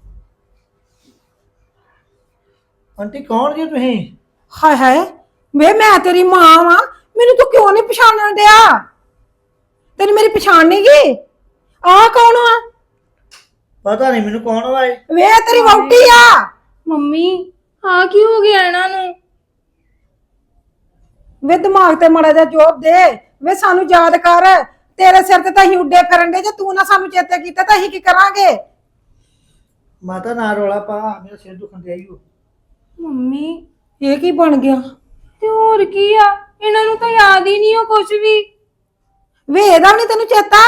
G: ਆਂਟੀ ਕੌਣ ਜੀ ਤੁਸੀਂ?
B: ਹਾਏ ਹਾਏ ਵੇ ਮੈਂ ਤੇਰੀ ਮਾਂ ਵਾਂ, ਮੈਨੂੰ ਤੂੰ ਕਿਉਂ ਨਹੀਂ ਪਛਾਣਨ ਡਿਆ? ਤੈਨੂੰ ਮੇਰੀ ਪਛਾਣ ਨਹੀਂ ਗਈ? ਆਹ ਕੌਣ ਆ?
G: ਪਤਾ ਨਹੀਂ ਮੈਨੂੰ ਕੌਣ ਵਾ ਇਹ।
B: ਵੇ ਤੇਰੀ ਵਹੁਟੀ ਆ।
F: ਮੰਮੀ ਆ ਕੀ ਹੋ ਗਿਆ ਇਹਨਾਂ ਨੂੰ?
B: ਵੇ ਦਿਮਾਗ ਤੇ ਮਾੜਾ ਜਿਹਾ ਜੋਬ ਦੇ। ਵੇ ਸਾਨੂੰ ਯਾਦ ਕਰ, ਤੇਰੇ ਸਿਰ ਤੇ ਤਾਂ ਅਸੀਂ ਉੱਡੇ ਫਿਰਨ ਦੇ। ਜੇ ਤੂੰ ਨਾ ਸਾਨੂੰ ਚੇਤੇ ਕੀਤਾ ਤਾਂ ਅਸੀਂ ਕੀ ਕਰਾਂਗੇ?
G: ਮਾਤਾ ਨਾ ਰੋਲਾ ਪਾ, ਮੇਰਾ ਸਿਰ ਦੁਖਣ ਡਿਆ ਈ ਓ।
F: ਮੰਮੀ
B: ਇਹ ਕੀ ਬਣ ਗਿਆ?
F: ਤੇ ਹੋਰ ਕੀ ਆ, ਇਹਨਾਂ ਨੂੰ ਤਾਂ ਯਾਦ ਹੀ ਨਹੀਂ ਉਹ ਕੁਝ ਵੀ।
B: ਵੇ ਇਹਦਾ ਨਹੀਂ ਤੈਨੂੰ ਚੇਤਾ?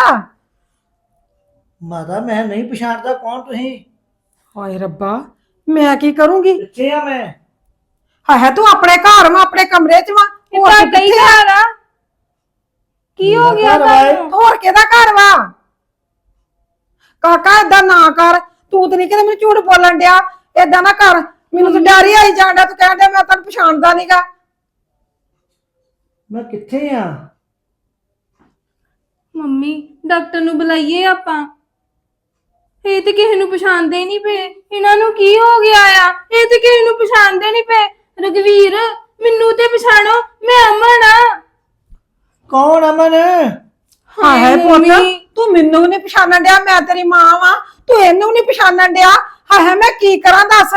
G: ਮਾਤਾ ਮੈਂ ਨਹੀਂ ਪਛਾਣਦਾ ਕੌਣ ਤੁਸੀਂ।
B: ਹਾਏ ਰੱਬਾ, ਮੈਂ ਕੀ ਕਰੂੰਗੀ?
G: ਕਿੱਥੇ ਆ ਮੈਂ?
B: ਹਾਏ ਤੂੰ ਆਪਣੇ ਘਰ ਵਾਂ, ਆਪਣੇ ਕਮਰੇ 'ਚ ਵਾਂ।
F: ਇਹ
B: ਹੋਰ
F: ਤਾਂ
B: ਤੂੰ
F: ਕਈ
B: ਕਿੱਥੇ ਆ?
F: ਘਰ ਆ। ਕੀ ਹੋ ਗਿਆ
G: ਘਰ ਵਾਏ।
F: ਤੁਹਾਨੂੰ?
B: ਹੋਰ ਕਿਹਦਾ ਘਰ ਵਾ? ਕਾਕਾ ਏਦਾਂ ਨਾ ਕਰ, ਤੂੰ ਤੇ ਨਹੀਂ ਕਿਤੇ ਮੈਨੂੰ ਝੂਠ ਬੋਲਣ ਡਿਆ। ਏਦਾਂ ਨਾ ਕਰ, ਮੈਨੂੰ ਤਾਂ ਡਰ ਹੀ ਆਈ ਜਾਂਦਾ। ਤੂੰ ਕਹਿਣ ਡਿਆ ਮੈਂ ਤੈਨੂੰ ਪਛਾਣਦਾ ਨਹੀਂਗਾ।
G: ਮੈਂ ਕਿੱਥੇ ਆ?
F: ਮੰਮੀ ਡਾਕਟਰ ਨੂੰ ਬੁਲਾਈਏ ਆਪਾਂ। ਇਹ ਤੇ ਕਿਸੇ ਨੂੰ ਪਛਾਣਦੇ ਹੀ ਨਹੀਂ ਪਏ। ਇਹਨਾਂ ਨੂੰ ਕੀ ਹੋ ਗਿਆ ਆ? ਇਹ ਤੇ ਕਿਸੇ ਨੂੰ ਪਛਾਣਦੇ ਨਹੀਂ ਪਏ। ਰਘਵੀਰ ਮੈਨੂੰ ਤੇ ਪਛਾਣੋ, ਮੈਂ ਅਮਨ ਆ।
G: ਕੌਣ ਅਮਨ?
B: ਹਾਏ ਪੁੱਤ,
F: ਮੰਮੀ।
B: ਤੂੰ ਮੈਨੂੰ ਨਹੀਂ ਪਛਾਣਨ ਡਿਆ? ਮੈਂ ਤੇਰੀ ਮਾਂ ਵਾਂ, ਤੂੰ ਇਹਨੂੰ ਨਹੀਂ ਪਛਾਣਨ ਡਿਆ? ਹਾਏ ਮੈਂ ਕੀ ਕਰਾਂ ਦੱਸ?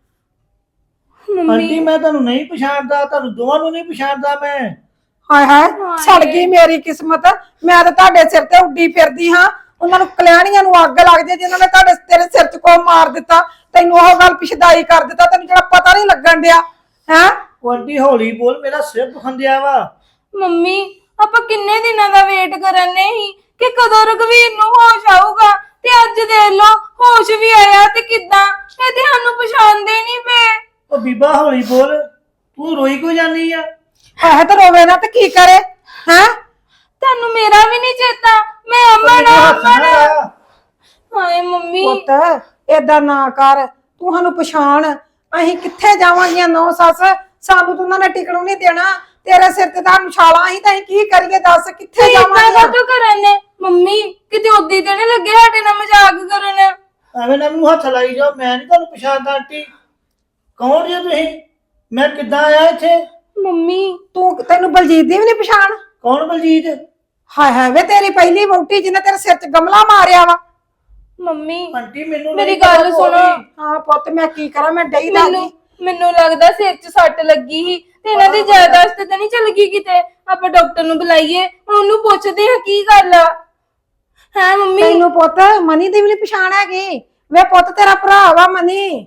F: ਮੰਮੀ
G: ਆਂਟੀ ਮੈਂ ਤੁਹਾਨੂੰ ਨਹੀਂ ਪਛਾਣਦਾ, ਤੁਹਾਨੂੰ ਦੋਵਾਂ ਨੂੰ ਨਹੀਂ ਪਛਾਣਦਾ ਮੈਂ।
B: ਹਾਏ ਹਾਏ ਸੜ ਗਈ ਮੇਰੀ ਕਿਸਮਤ। ਮੈਂ ਤਾਂ ਤੁਹਾਡੇ ਸਿਰ ਤੇ ਉੱਡੀ ਫਿਰਦੀ ਹਾਂ। ਉਹਨਾਂ ਨੂੰ ਕਲਿਆਣੀਆਂ ਨੂੰ ਅੱਗ ਲੱਗ ਜੇ ਜਿਨ੍ਹਾਂ ਨੇ ਤੁਹਾਡੇ ਤੇਰੇ ਸਿਰ 'ਚ ਕੋ ਮਾਰ ਦਿੱਤਾ। ਤੈਨੂੰ ਉਹ ਗੱਲ ਪਿਛਦਾਈ ਕਰ ਦਿੱਤਾ, ਤੈਨੂੰ ਜਿਹੜਾ ਪਤਾ ਨਹੀਂ ਲੱਗਣ ਡਿਆ ਹੈ।
G: ਉਹ ਆਂਟੀ ਹੌਲੀ ਬੋਲ, ਮੇਰਾ ਸਿਰ ਦੁਖਣ ਡਿਆ ਵਾ।
F: ਮੰਮੀ ਆਪਾਂ ਕਿੰਨੇ ਦਿਨਾਂ ਦਾ ਵੇਟ ਕਰਨ ਨੇ ਹੀ ਕਿ ਕਦੋਂ ਰਘਵੀਰ ਨੂੰ ਹੋਸ਼ ਆਊਗਾ, ਤੇ ਅੱਜ ਦੇਖ ਲਓ ਹੋਸ਼ ਵੀ ਆਇਆ ਤੇ ਕਿੱਦਾਂ। ਇਹ ਤੇ ਸਾਨੂੰ ਪਛਾਣਦੇ ਨਹੀਂ ਪਏ।
G: ਉਹ ਬੀਬਾ ਹੌਲੀ ਬੋਲ, ਤੂੰ ਰੋਈ ਕਿਉਂ ਜਾਂਦੀ ਆ?
B: ਹਾਏ ਤਾਂ ਰੋਵੇ ਨਾ ਤੇ ਕੀ ਕਰੇ ਹੈ?
F: ਤੁਹਾਨੂੰ ਮੇਰਾ ਵੀ ਨਹੀਂ ਚੇਤਾ? ਮੈਂ ਅਮਨ
G: ਮੈਨੂੰ
F: ਆ,
G: ਹੱਥ ਨਾ
F: ਅਮਨ।
G: ਲਾਇਆ।
F: ਹਾਏ ਮੰਮੀ
B: ਪੁੱਤ ਏਦਾਂ ਨਾ ਕਰ, ਤੂੰ ਸਾਨੂੰ ਪਛਾਣ। ਅਸੀਂ ਕਿੱਥੇ ਜਾਵਾਂਗੀਆਂ ਨੌ ਸੱਸ? ਸਾਨੂੰ ਤੂੰ ਉਹਨਾਂ ਨੇ ਟਿਕਣੋਂ ਨਹੀਂ ਦੇਣਾ। ਤੇਰੇ ਸਿਰ ਤੇ ਤਾਂ ਛਾਲਾਂ ਹੀ, ਤਾਂ ਅਸੀਂ ਕੀ ਕਰੀਏ ਦੱਸ? ਕਿੱਥੇ
F: ਇਦਾਂ
B: ਜਾਵਾਂਗੀਆਂ?
F: ਕਦੋਂ ਕਰਨ ਨੇ? ਮੰਮੀ ਕਿਤੇ ਉਦੀ ਤੇ ਨੀ ਲੱਗੇ ਸਾਡੇ ਨਾਲ ਮਜ਼ਾਕ ਕਰਨ।
G: ਐਵੇਂ ਨਾ ਮੈਨੂੰ ਹੱਥ ਲਾਈ ਜਾਓ, ਮੈਂ ਨਹੀਂ ਤੁਹਾਨੂੰ ਪਛਾਣਦਾ। ਆਂਟੀ ਕੌਣ ਜੀ ਤੁਸੀਂ? ਮੈਂ ਕਿੱਦਾਂ ਆਇਆ ਇੱਥੇ?
F: ਮੰਮੀ
B: ਤੂੰ ਤੈਨੂੰ ਬਲਜੀਤ ਦੀ ਵੀ ਨਹੀਂ ਪਛਾਣ?
G: ਕੌਣ ਬਲਜੀਤ?
B: ਹਾਏ ਹਾਏ ਵੇ ਤੇਰੀ ਪਹਿਲੀ ਵਹੁਟੀ ਜਿਹਨੇ ਤੇਰੇ ਸਿਰ 'ਚ ਗਮਲਾ ਮਾਰਿਆ ਵਾ।
F: ਮੰਮੀ
G: ਆਂਟੀ ਮੈਨੂੰ
F: ਮੇਰੀ
G: ਨਹੀਂ
F: ਗੱਲ
G: ਪਤਾ
F: ਸੁਣੋ।
G: ਕੋਈ।
B: ਹਾਂ ਪੁੱਤ ਮੈਂ ਕੀ ਕਰਾਂ, ਮੈਂ ਡਈ ਦਾ
F: ਮੈਨੂੰ ਮੈਨੂੰ ਲੱਗਦਾ ਸਿਰ 'ਚ ਸੱਟ ਲੱਗੀ ਸੀ ਤੇ ਇਹਨਾਂ ਦੀ ਜਾਇਦਾਦ ਤੇ ਤਾਂ ਨਹੀਂ ਚਲ ਗਈ ਕਿਤੇ। ਆਪਾਂ ਡਾਕਟਰ ਨੂੰ ਬੁਲਾਈਏ, ਉਹਨੂੰ ਪੁੱਛਦੇ ਆ ਕੀ ਗੱਲ ਆ। ਹੈ ਮੰਮੀ
B: ਤੈਨੂੰ ਪੁੱਤ ਮਨੀ ਦੀ ਵੀ ਨਹੀਂ ਪਛਾਣ ਹੈਗੀ? ਵੇ ਪੁੱਤ ਤੇਰਾ ਭਰਾ ਵਾ ਮਨੀ।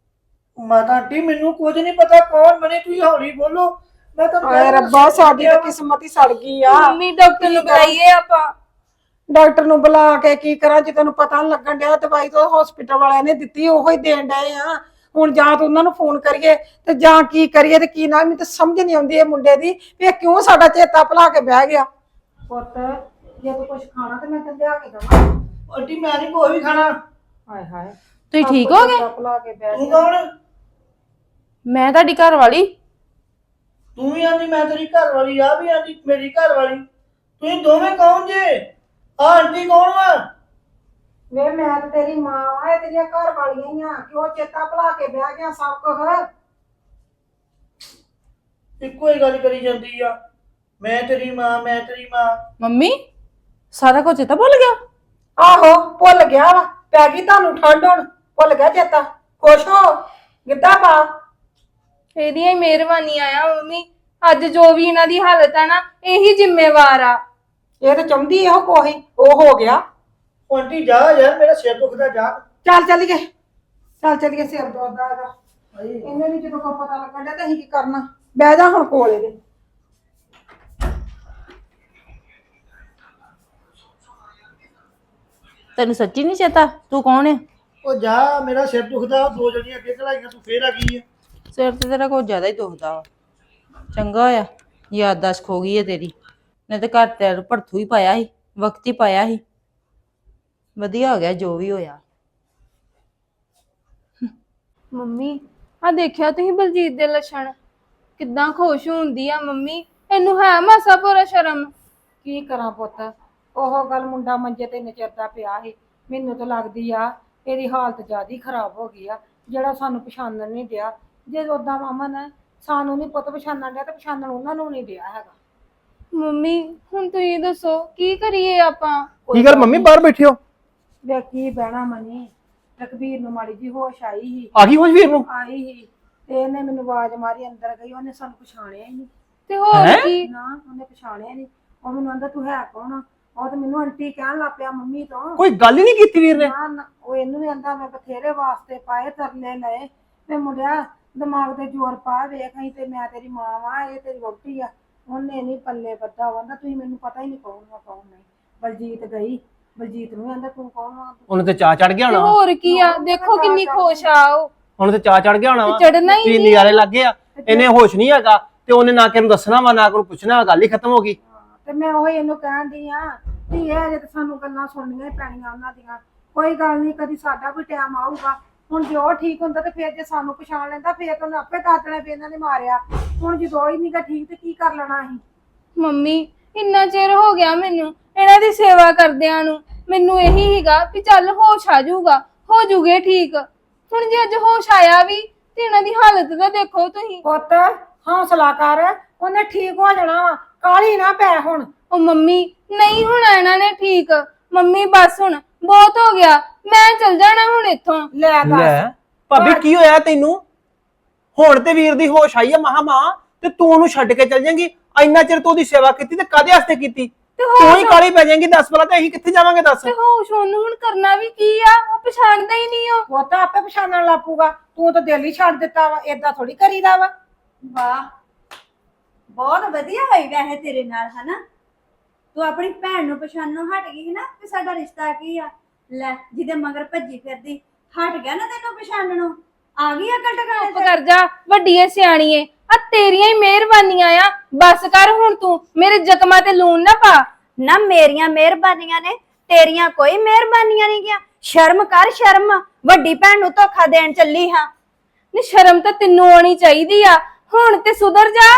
G: ਮਾਤਾ ਆਂਟੀ ਮੈਨੂੰ ਕੁਝ ਨਹੀਂ ਪਤਾ ਕੌਣ ਬਣੇ, ਤੁਸੀਂ ਹੌਲੀ ਬੋਲੋ। ਮੈਂ ਤੁਹਾਨੂੰ
B: ਹਾਏ ਰੱਬਾ, ਸਾਡੀ ਤਾਂ ਕਿਸਮਤ ਹੀ ਸੜ ਗਈ ਆ।
F: ਮੰਮੀ ਡਾਕਟਰ ਨੂੰ ਬੁਲਾਈਏ ਆਪਾਂ।
B: ਡਾਕਟਰ ਨੂੰ ਬੁਲਾ ਕੇ ਕੀ ਕਰਾਂ ਜੇ ਤੈਨੂੰ ਪਤਾ ਨੀ ਲੱਗਣ ਡਿਆ? ਦਵਾਈ ਤਾਂ ਹਸਪੀਟਲ ਵਾਲਿਆਂ ਨੇ ਦਿੱਤੀ, ਉਹੋ ਹੀ ਦੇਣ ਡਏ ਆ। ਹੁਣ ਜਾਂ ਤਾਂ ਉਹਨਾਂ ਨੂੰ ਫੋਨ ਕਰੀਏ ਤੇ ਜਾਂ ਕੀ ਕਰੀਏ ਤੇ ਕੀ ਨਾ। ਮੈਨੂੰ ਤਾਂ ਸਮਝ ਨਹੀਂ ਆਉਂਦੀ ਇਹ ਮੁੰਡੇ ਦੀ ਵੀ ਇਹ ਕਿਉਂ ਸਾਡਾ ਚੇਤਾ ਭੁਲਾ ਕੇ ਬਹਿ ਗਿਆ। ਪੁੱਤ ਜੇ ਤੂੰ ਕੁਝ ਖਾਣਾ ਤੇ ਮੈਂ ਤੈਨੂੰ ਲਿਆ ਕੇ ਦਵਾਂ।
G: ਆਂਟੀ ਮੈਂ ਨਹੀਂ ਕੋਈ ਵੀ ਖਾਣਾ।
B: ਹਾਏ ਹਾਏ
D: ਤੁਸੀਂ ਠੀਕ ਹੋ ਗਏ?
B: ਭੁਲਾ ਕੇ ਬਹਿ
G: ਤੂੰ
B: ਗਿਆ।
G: ਕੌਣ?
D: ਮੈਂ ਤੁਹਾਡੀ ਘਰ ਵਾਲੀ।
G: ਤੂੰ ਵੀ ਆਂਦੀ ਮੈਂ ਤੇਰੀ ਘਰ ਵਾਲੀ, ਆ ਵੀ ਆਂਦੀ ਮੇਰੀ ਘਰ ਵਾਲੀ। ਤੁਸੀਂ ਦੋਵੇਂ ਕੌਣ ਜੇ? ਆ ਆਂਟੀ ਕੌਣ ਵਾ?
B: ਵੇ ਮੈਂ ਤੇ ਤੇਰੀ ਮਾਂ ਆ, ਇਹ ਤੇਰੀਆਂ ਘਰ ਵਾਲੀਆਂ ਹੀ ਆ। ਕਿਉਂ ਚੇਤਾ ਭੁਲਾ ਕੇ ਬਹਿ ਗਿਆ ਸਭ ਕੁਝ?
G: ਇੱਕੋ ਹੀ ਗੱਲ ਕਰੀ ਜਾਂਦੀ ਆ, ਮੈਂ ਤੇਰੀ ਮਾਂ, ਮੈਂ ਤੇਰੀ ਮਾਂ।
D: ਮੰਮੀ ਸਾਰਾ ਕੁਝ ਤਾਂ ਭੁੱਲ ਗਿਆ?
B: ਆਹੋ ਭੁੱਲ ਗਿਆ ਵਾ। ਪੈ ਗਈ ਤੁਹਾਨੂੰ ਠੰਡ, ਹੁਣ ਭੁੱਲ ਗਿਆ ਚੇਤਾ। ਖੁਸ਼ ਹੋ, ਗਿੱਧਾ ਪਾ।
F: ਇਹਦੀਆਂ ਹੀ ਮਿਹਰਬਾਨੀ ਆ ਮੰਮੀ। ਅੱਜ ਜੋ ਵੀ ਇਹਨਾਂ ਦੀ ਹਾਲਤ ਆ ਨਾ, ਇਹੀ ਜ਼ਿੰਮੇਵਾਰ ਆ।
B: ਇਹ ਤਾਂ ਚਾਹੁੰਦੀ ਇਹੋ ਕੋਈ, ਉਹ ਹੋ ਗਿਆ।
G: ਉਹ ਆਂਟੀ ਜਾ ਯਾਰ, ਮੇਰਾ ਸਿਰ ਦੁਖਦਾ, ਜਾ।
B: ਚੱਲ ਚੱਲੀਏ, ਚੱਲ ਚੱਲੀਏ। ਸਿਰ ਦੁਖਦਾ ਇਹਦਾ। ਇਹਨੇ ਵੀ ਜਦੋਂ ਕੋਈ ਪਤਾ ਲੱਗਣ ਡਿਆ ਤਾਂ ਅਸੀਂ ਕੀ ਕਰਨਾ? ਬਹਿ ਜਾ ਹੁਣ ਕੋਲ ਇਹਦੇ।
D: ਤੈਨੂੰ ਸੱਚੀ ਨਹੀਂ ਚੇਤਾ ਤੂੰ ਕੌਣ ਹੈ?
G: ਉਹ ਜਾ, ਮੇਰਾ ਸਿਰ ਦੁਖਦਾ। ਦੋ ਜਣੀਆਂ ਅੱਗੇ ਘਲਾਈਆਂ, ਤੂੰ ਫੇਰ ਆ ਗਈ ਆ।
D: ਸਿਰ ਤੇ ਤੇਰਾ ਕੁਝ ਜ਼ਿਆਦਾ ਹੀ ਦੁਖਦਾ ਵਾ। ਚੰਗਾ ਹੋਇਆ ਯਾਦਦਾਸ਼ਤ ਖੋ ਗਈ ਹੈ ਤੇਰੀ। ਨਹੀਂ ਤੇ ਘਰ ਤੇ ਭੜਥੂ ਹੀ ਪਾਇਆ ਸੀ, ਵਕਤ ਹੀ ਪਾਇਆ ਸੀ। ਵਧੀਆ ਹੋ ਗਿਆ ਜੋ ਵੀ ਹੋਇਆ।
F: ਮੰਮੀ ਆ ਦੇਖਿਆ ਤੁਸੀਂ ਬਲਜੀਤ ਦੇ ਲੱਛਣ, ਕਿੱਦਾਂ ਖੁਸ਼ ਹੁੰਦੀ ਆ ਮੰਮੀ। ਇਹਨੂੰ ਹੈ ਮਾਸਾ ਪੂਰਾ ਸ਼ਰਮ।
B: ਕੀ ਕਰਾਂ ਪੁੱਤ, ਉਹ ਗੱਲ ਮੁੰਡਾ ਮੰਜੇ ਤੇ ਨਚਰਦਾ ਪਿਆ ਸੀ। ਮੈਨੂੰ ਤਾਂ ਲੱਗਦੀ ਆ ਇਹਦੀ ਹਾਲਤ ਜ਼ਿਆਦਾ ਹੀ ਖਰਾਬ ਹੋ ਗਈ ਆ, ਜਿਹੜਾ ਸਾਨੂੰ ਪਛਾਣਨ ਨਹੀਂ ਦਿਆ। ਜੇ ਉਦਾਂ ਅਮਨ ਸਾਨੂੰ ਨਹੀਂ ਪੁੱਤ ਪਛਾਣਨ ਡਿਆ ਤੇ ਪਛਾਣਨ ਉਹਨਾਂ ਨੂੰ ਨਹੀਂ ਦਿਆ ਹੈਗਾ।
F: ਮੰਮੀ ਹੁਣ ਤੁਸੀਂ ਦੱਸੋ ਕੀ ਕਰੀਏ ਆਪਾਂ?
E: ਕੀ ਗੱਲ ਮੰਮੀ ਬਾਹਰ ਬੈਠੇ ਹੋ?
B: ਵੇ ਕੀ ਬਹਿਣਾ ਮਨੀ, ਰਕਬੀਰ ਨੂੰ ਮਾੜੀ ਜੀ ਹੋਸ਼ ਆਈ ਸੀ
E: ਆ ਗਈ ਹੋਸ਼ ਵੀਰ ਨੂੰ?
B: ਆਈ ਸੀ ਤੇ ਇਹਨੇ ਮੈਨੂੰ ਆਵਾਜ਼ ਮਾਰੀ, ਅੰਦਰ ਗਈ, ਉਹਨੇ ਸਾਨੂੰ ਪਛਾਣਿਆ ਹੀ ਨਹੀਂ।
F: ਤੇ ਹੋਰ
E: ਹੈਂ?
F: ਕੀ?
B: ਨਾ ਉਹਨੇ ਪਛਾਣਿਆ ਨਹੀਂ। ਉਹ ਮੈਨੂੰ ਆਂਦਾ ਤੂੰ ਹੈ ਕੌਣ ਆ? ਉਹ ਤੇ ਮੈਨੂੰ ਆਂਟੀ ਕਹਿਣ ਲੱਗ ਪਿਆ ਮੰਮੀ ਤੋਂ।
E: ਕੋਈ ਗੱਲ ਹੀ ਨਹੀਂ ਕੀਤੀ ਵੀਰ ਨੇ?
B: ਨਾ ਨਾ ਉਹ ਇਹਨੂੰ ਵੀ ਆਂਦਾ ਮੈਂ ਬਥੇਰੇ ਵਾਸਤੇ ਪਾਏ ਤਰਲੇ ਲਏ, ਮੈਂ ਮੁੰਡਿਆ ਦਿਮਾਗ ਤੇ ਜ਼ੋਰ ਪਾ, ਵੇਖ ਅਸੀਂ ਤੇ ਮੈਂ ਤੇਰੀ ਮਾਂ ਵਾਂ, ਇਹ ਤੇਰੀ ਵਹੁਟੀ ਆ। ਉਹਨੇ ਨਹੀਂ ਪੱਲੇ ਬੱਧਾ, ਕਹਿੰਦਾ ਤੁਸੀਂ ਮੈਨੂੰ ਪਤਾ ਹੀ ਨਹੀਂ ਕੌਣ ਵਾ ਕੌਣ ਨਹੀਂ। ਬਲਜੀਤ ਗਈ, ਬਲਜੀਤ ਨੂੰ ਆਂਦਾ ਤੂੰ ਕੌਣ ਵਾ?
E: ਉਹਨੂੰ ਤੇ ਚਾਹ ਚੜ ਗਿਆ
F: ਤੇ
E: ਹੋਣਾ।
F: ਹੋਰ ਕੀ ਆ, ਦੇਖੋ ਕਿੰਨੀ ਖੁਸ਼ ਆ ਉਹ।
E: ਉਹਨੂੰ ਤੇ ਚਾਹ ਚੜ ਗਿਆ ਹੋਣਾ ਵਾ।
F: ਤੇ ਚੜ੍ਹਨਾ ਹੀ
E: ਵੀ
F: ਨਹੀਂ।
E: ਨਜ਼ਾਰੇ ਲੱਗੇ ਆ, ਇਹਨੇ ਹੋਸ਼ ਨਹੀਂ ਹੈਗਾ ਤੇ ਉਹਨੇ ਨਾ ਕਿ ਨੂੰ ਦੱਸਣਾ ਵਾ ਨਾ ਕਿ ਨੂੰ ਪੁੱਛਣਾ, ਗੱਲ ਹੀ ਖਤਮ ਹੋ ਗਈ।
B: ਤੇ ਮੈਂ ਉਹ ਇਹਨੂੰ ਕਹਿਣ ਦੀ ਆ ਕਿ ਇਹ ਜੇ ਸਾਨੂੰ ਗੱਲਾਂ ਸੁਣਨੀਆਂ ਹੀ ਪੈਣੀਆਂ ਉਹਨਾਂ ਦੀਆਂ। ਕੋਈ ਗੱਲ ਨਹੀਂ, ਕਦੀ ਸਾਡਾ ਵੀ ਟਾਈਮ ਆਊਗਾ। ਹੁਣ ਜੇ ਉਹ ਠੀਕ ਹੁੰਦਾ ਤੇ ਫਿਰ ਜੇ ਸਾਨੂੰ ਪਛਾਣ ਲੈਂਦਾ ਫਿਰ ਤਾਂ ਉਹਨੇ ਆਪੇ ਦੱਸ ਦੇਣਾ ਵੀ ਇਹਨਾਂ ਨੇ ਮਾਰਿਆ। ਹੁਣ ਜਦੋਂ ਹੀ ਨਹੀਂਗਾ ਠੀਕ ਤੇ ਕੀ ਕਰ ਲੈਣਾ ਅਸੀਂ?
F: ਮੰਮੀ ਇੰਨਾ ਚਿਰ ਹੋ ਗਿਆ ਮੈਨੂੰ ਇਹਨਾਂ ਦੀ ਸੇਵਾ ਕਰਦਿਆਂ ਨੂੰ। ਮੈਨੂੰ ਇਹੀ ਹੀਗਾ ਵੀ ਚੱਲ ਹੋਸ਼ ਆ ਜਾਊਗਾ, ਹੋ ਜੂਗੇ ਠੀਕ। ਹੁਣ ਜੇ ਅੱਜ ਹੋਸ਼ ਆਇਆ ਵੀ ਤੇ ਇਹਨਾਂ ਦੀ ਹਾਲਤ ਤਾਂ ਦੇਖੋ ਤੁਸੀਂ।
B: ਪੁੱਤ ਹੌਸਲਾ ਕਰ, ਉਹਨੇ ਠੀਕ ਹੋ ਜਾਣਾ ਵਾ, ਕਾਲੀ ਨਾ ਪੈ ਹੁਣ।
F: ਉਹ ਮੰਮੀ ਨਹੀਂ ਹੋਣਾ ਇਹਨਾਂ ਨੇ ਠੀਕ। ਮੰਮੀ ਬਸ ਹੁਣ ਬਹੁਤ ਹੋ ਗਿਆ, ਮੈਂ ਚਲ ਜਾਣਾ ਹੁਣ ਇੱਥੋਂ।
B: ਲੈ ਦੱਸ,
E: ਲੈ ਭਾਬੀ ਕੀ ਹੋਇਆ ਤੈਨੂੰ? ਹੁਣ ਤੇ ਵੀਰ ਦੀ ਹੋਸ਼ ਆਈ ਆ ਮਹਾ ਮਾਂ, ਤੇ ਤੂੰ ਉਹਨੂੰ ਛੱਡ ਕੇ ਚੱਲ ਜਾਏਂਗੀ? ਇੰਨਾ ਚਿਰ ਤੂੰ ਉਹਦੀ ਸੇਵਾ ਕੀਤੀ ਤੇ ਕਾਹਦੇ ਵਾਸਤੇ ਕੀਤੀ?
F: ਤੇ
E: ਤੂੰ ਹੀ
F: ਹੋਸ਼
E: ਕਾਲੀ ਪੈ ਜਾਏਂਗੀ। ਦੱਸ ਭਲਾ ਤੇ ਅਸੀਂ ਕਿੱਥੇ ਜਾਵਾਂਗੇ ਦੱਸ?
F: ਤੇ ਹੋਸ਼ ਉਹਨੂੰ ਹੁਣ ਕਰਨਾ ਵੀ ਕੀ ਆ? ਉਹ ਪਛਾਣਦਾ ਹੀ ਨਹੀਂ ਉਹ।
B: ਪੁੱਤ ਆਪੇ ਪਛਾਣਨ ਲੱਪੂਗਾ। ਤੂੰ ਤਾਂ ਦਿਲ ਹੀ ਛੱਡ ਦਿੱਤਾ ਵਾ, ਏਦਾਂ ਥੋੜੀ ਕਰੀਦਾ ਵਾ।
C: ਵਾਹ, ਬਹੁਤ ਵਧੀਆ ਹੋਈ ਵੈਸੇ ਤੇਰੇ ਨਾਲ, ਹਨਾ? ਤੂੰ ਆਪਣੀ ਭੈਣ ਨੂੰ ਪਛਾਣਨੋਂ ਹਟ ਗਈ ਸੀ ਨਾ ਕਿ ਸਾਡਾ ਰਿਸ਼ਤਾ ਕੀ ਆ। ਲੈ ਜਿਹਦੇ ਮਗਰ ਭੱਜੀ ਫਿਰਦੀ, ਹਟ ਗਿਆ ਨਾ ਤੈਨੂੰ ਪਛਾਣਨੋਂ। ਆ ਗਈ ਅਕਲ ਟਿਕਾਣੇ
F: ਚੁੱਪ ਕਰ ਜਾ, ਵੱਡੀਏ ਸਿਆਣੀਏ। ਆ ਤੇਰੀਆਂ ਹੀ ਮਿਹਰਬਾਨੀਆਂ ਆ, ਬਸ ਕਰ ਹੁਣ ਤੂੰ ਮੇਰੇ ਜ਼ਖਮਾਂ ਤੇ ਲੂਣ ਨਾ ਪਾ।
C: ਨਾ ਮੇਰੀਆਂ ਮਿਹਰਬਾਨੀਆਂ ਨੇ, ਤੇਰੀਆਂ ਕੋਈ ਮਿਹਰਬਾਨੀਆਂ ਨਹੀਂ ਗਿਆ। ਸ਼ਰਮ ਕਰ, ਸ਼ਰਮ। ਵੱਡੀ ਭੈਣ ਨੂੰ ਧੋਖਾ ਦੇਣ ਚੱਲੀ ਹਾਂ।
F: ਨੀ ਸ਼ਰਮ ਤਾਂ ਤੈਨੂੰ ਆਉਣੀ ਚਾਹੀਦੀ ਆ, ਹੁਣ ਤੇ ਸੁਧਰ ਜਾ।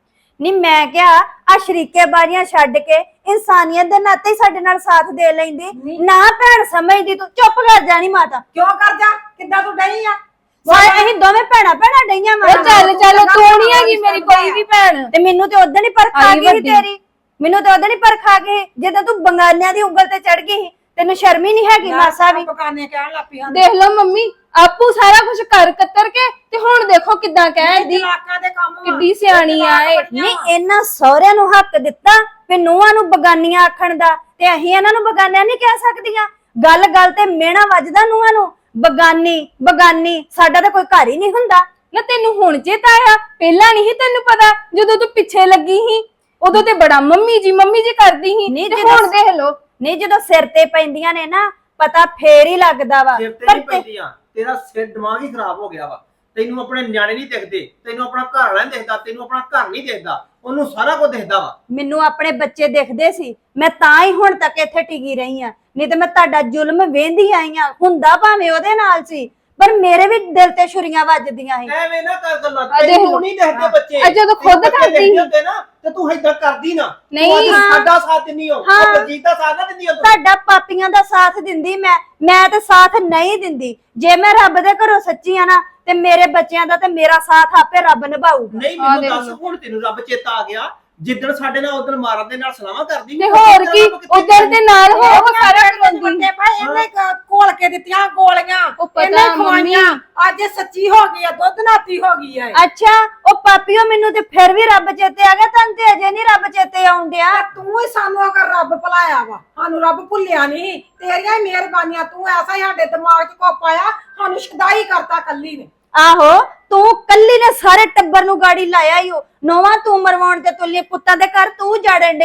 C: ਨੀ ਮੈਂ ਕਿਹਾ ਆ ਸ਼ਰੀਕੇ ਬਾਰੀਆਂ ਛੱਡ ਕੇ ਇਨਸਾਨੀਅਤ ਦੇ ਨਾਤੇ ਹੀ ਸਾਡੇ ਨਾਲ ਸਾਥ ਦੇ ਲੈਂਦੀ। ਨਾ ਭੈਣ ਸਮਝਦੀ ਤੂੰ। ਚੁੱਪ ਕਰ ਜਾਣੀ ਮਾਤਾ।
B: ਕਿਉਂ ਕਰ ਜਾ? ਕਿੱਦਾਂ ਤੂੰ ਡਈ ਆ?
C: ਸਾਰੇ ਅਸੀਂ ਦੋਵੇਂ ਭੈਣਾਂ ਭੈਣਾਂ ਡਈਆਂ
F: ਉਹ ਚੱਲ ਚੱਲ, ਤੂੰ ਨਹੀਂ ਹੈਗੀ ਮੇਰੀ ਕੋਈ ਵੀ ਭੈਣ।
C: ਤੇ ਮੈਨੂੰ ਤੇ ਉਦੋਂ ਹੀ ਪਰਖ ਆ
F: ਆਈ
C: ਗਈ ਸੀ
F: ਵੱਡੀ।
C: ਤੇਰੀ। ਮੈਨੂੰ ਤੇ ਉਦੋਂ ਹੀ ਪਰਖ ਆ ਗਈ ਜਦੋਂ ਤੂੰ ਬੰਗਾਲਿਆਂ ਦੀ ਉਂਗਲ ਤੇ ਚੜ ਗਈ ਸੀ। ਤੈਨੂੰ ਸ਼ਰਮ ਹੀ ਨਹੀਂ ਹੈਗੀ ਮਾਸਾ ਵੀ।
B: ਪਕਾਨੇ ਕਹਿਣ ਲੱਗ ਪਈ ਹਾਂ।
F: ਦੇਖ ਲਓ ਮੰਮੀ, ਆਪੂ ਸਾਰਾ ਕੁਝ ਕਰ ਕਤਰ ਕੇ ਤੇ ਹੁਣ ਦੇਖੋ ਕਿੱਦਾਂ ਕਹਿਦੀ।
B: ਇਲਾਕਾਂ ਦੇ ਕੰਮ ਵਾ।
F: ਕਿੱਡੀ ਸਿਆਣੀ ਆ ਇਹ।
C: ਨਹੀਂ ਇਹਨਾਂ ਸਹੁਰਿਆਂ ਨੂੰ ਹੱਕ ਦਿੱਤਾ ਵੀ ਨੂੰਹਾਂ ਨੂੰ ਬਗਾਨੀਆਂ ਆਖਣ ਦਾ, ਤੇ ਅਸੀਂ ਇਹਨਾਂ ਨੂੰ ਬਗਾਨਿਆਂ ਨਹੀਂ ਕਹਿ ਸਕਦੀਆਂ। ਗੱਲ ਗੱਲ ਤੇ ਮਿਹਣਾ ਵੱਜਦਾ ਨੂੰਹਾਂ ਨੂੰ, ਬਗਾਨੀ ਬਗਾਨੀ। ਸਾਡਾ ਤਾਂ ਕੋਈ ਘਰ ਹੀ ਨਹੀਂ ਹੁੰਦਾ।
F: ਨਾ ਤੈਨੂੰ ਹੁਣ ਚੇਤਾ ਆਇਆ? ਪਹਿਲਾਂ ਨਹੀਂ ਤੈਨੂੰ ਪਤਾ? ਜਦੋਂ ਤੂੰ ਪਿੱਛੇ ਲੱਗੀ ਸੀ ਉਦੋਂ ਤੇ ਬੜਾ ਮੰਮੀ ਜੀ ਮੰਮੀ ਜੀ ਕਰਦੀ ਸੀ,
C: ਨਹੀਂ
F: ਤੇ
C: ਜਦੋਂ-
F: ਹੁਣ ਦੇਖ ਲੋ।
C: ਨਹੀਂ ਜਦੋਂ ਸਿਰ ਤੇ ਪੈਂਦੀਆਂ ਨੇ ਨਾ, ਪਤਾ ਫੇਰ ਹੀ ਲੱਗਦਾ ਵਾ।
E: ਸਿਰ ਤੇ
C: ਪਰ
E: ਨਹੀਂ
C: ਤੇ-
E: ਪੈਂਦੀਆਂ, ਤੇਰਾ ਸਿਰ ਦਿਮਾਗ ਹੀ ਖਰਾਬ ਹੋ ਗਿਆ ਵਾ। ਤੈਨੂੰ ਆਪਣੇ ਨਿਆਣੇ ਨਹੀਂ ਦਿਖਦੇ, ਤੈਨੂੰ ਆਪਣਾ ਘਰ ਵਾਲਾ ਨਹੀਂ ਦਿਖਦਾ, ਤੈਨੂੰ ਆਪਣਾ ਘਰ ਨਹੀਂ ਦਿਖਦਾ, ਉਹਨੂੰ ਸਾਰਾ ਕੁਝ ਦਿਖਦਾ ਵਾ।
C: ਮੈਨੂੰ ਆਪਣੇ ਬੱਚੇ ਦਿਖਦੇ ਸੀ, ਮੈਂ ਤਾਂ ਹੀ ਹੁਣ ਤੱਕ ਇੱਥੇ ਟਿਕੀ ਰਹੀ ਆ। ਨਹੀਂ ਤੇ ਮੈਂ ਤੁਹਾਡਾ ਜ਼ੁਲਮ ਵੇਂਦੀ ਆਈ ਆ। ਹੁੰਦਾ ਭਾਵੇਂ ਉਹਦੇ ਨਾਲ ਸੀ, ਪਰ ਮੇਰੇ ਵੀ ਦਿਲ ਤੇ ਛੁਰੀਆਂ ਵੱਜਦੀਆਂ ਸੀ।
E: ਐਵੇਂ ਨਾ ਕਰ ਗੱਲਾਂ,
F: ਆ ਦੇਖ
E: ਤੈਨੂੰ
F: ਲਓ।
E: ਨਹੀਂ ਦਿਖਦੇ ਬੱਚੇ।
F: ਆ ਜਦੋਂ ਖੁਦ
E: ਤੈਨੂੰ ਬੱਚੇ
F: ਕਰਦੀ
E: ਦਿਖਦੇ
F: ਸੀ।
E: ਹੁੰਦੇ ਨਾ ਤੇ ਤੂੰ ਏਦਾਂ ਕਰਦੀ ਨਾ।
F: ਨਹੀਂ,
E: ਤੂੰ ਅੱਜ
C: ਹਾਂ।
E: ਸਾਡਾ ਸਾਥ ਦਿੰਦੀ ਹੋ,
C: ਹਾਂ।
E: ਉਹ ਬਲਜੀਤ ਦਾ ਸਾਥ ਨਾ ਦਿੰਦੀ ਹੋ ਤੂੰ।
C: ਤੁਹਾਡਾ ਪਾਪੀਆਂ ਦਾ ਸਾਥ ਦਿੰਦੀ ਮੈਂ ਮੈਂ ਤੇ ਸਾਥ ਨਹੀਂ ਦਿੰਦੀ। ਜੇ ਮੈਂ ਰੱਬ ਦੇ ਘਰੋਂ ਸੱਚੀ ਆ ਨਾ, ਤੇ ਮੇਰੇ ਬੱਚਿਆਂ ਦਾ ਤੇ ਮੇਰਾ ਸਾਥ ਆਪੇ ਰੱਬ ਨਿਭਾਊਗਾ।
E: ਨਹੀਂ
F: ਆ
E: ਮੈਨੂੰ
F: ਦੇਖ
E: ਦੱਸ,
F: ਲਓ।
E: ਹੁਣ ਤੈਨੂੰ ਰੱਬ ਚੇਤਾ ਆ ਗਿਆ? ਜਿੱਦਣ ਸਾਡੇ ਨਾਲ ਉਦੋਂ ਮਾਰਨ ਦੇ ਨਾਲ ਸਲਾਹਾਂ ਕਰਦੀ
F: ਤੇ ਹੋਰ ਕੀ, ਉਧਰ ਦੇ ਨਾਲ ਹੋ ਉਹ ਸਾਰਾ ਕਰਦੀ।
B: ਵੱਡੇ ਭਾਈ ਇਹਨੇ ਕ- ਘੋਲ ਕੇ ਦਿੱਤੀਆਂ ਗੋਲੀਆਂ,
F: ਉਹ ਪਤਾ
B: ਇਹਨੇ
F: ਮੰਮੀ।
B: ਖਵਾਈਆਂ। ਅੱਜ ਇਹ ਸੱਚੀ ਹੋ ਗਈ ਆ, ਦੁੱਧ ਨਾਤੀ ਹੋ ਗਈ ਆ।
C: ਅੱਛਾ ਉਹ ਪਾਪੀਓ, ਮੈਨੂੰ ਤੇ ਫਿਰ ਵੀ ਰੱਬ ਚੇਤੇ ਆ ਗਿਆ, ਤੈਨੂੰ ਤੇ ਅਜੇ ਨਹੀਂ ਰੱਬ ਚੇਤੇ ਆਉਣ ਡਿਆ।
B: ਤੂੰ ਹੀ ਸਾਨੂੰ ਅਗਰ ਰੱਬ ਭੁਲਾਇਆ ਵਾ, ਸਾਨੂੰ ਰੱਬ ਭੁੱਲਿਆ ਨਹੀਂ। ਤੇਰੀਆਂ ਹੀ ਮਿਹਰਬਾਨੀਆਂ, ਤੂੰ ਐਸਾ ਹੀ ਸਾਡੇ ਦਿਮਾਗ 'ਚ ਕੋ ਪਾਇਆ, ਸਾਨੂੰ ਸ਼ਦਾਈ ਕਰਤਾ ਕੱਲੀ ਨੇ।
C: ਆਹੋ ਤੂੰ ਕੱਲੀ ਨੇ ਸਾਰੇ ਟੱਬਰ ਨੂੰ ਗਾੜੀ ਲਾਇਆ ਈ ਓ। ਨੋਵਾ ਤੂੰ ਮਰਵਾਉਣ ਤੇ ਤੁੱਲੀ, ਪੁੱਤਾਂ ਦੇ ਘਰ ਤੂੰ ਜਾੜਨ ਡਈ ਆ।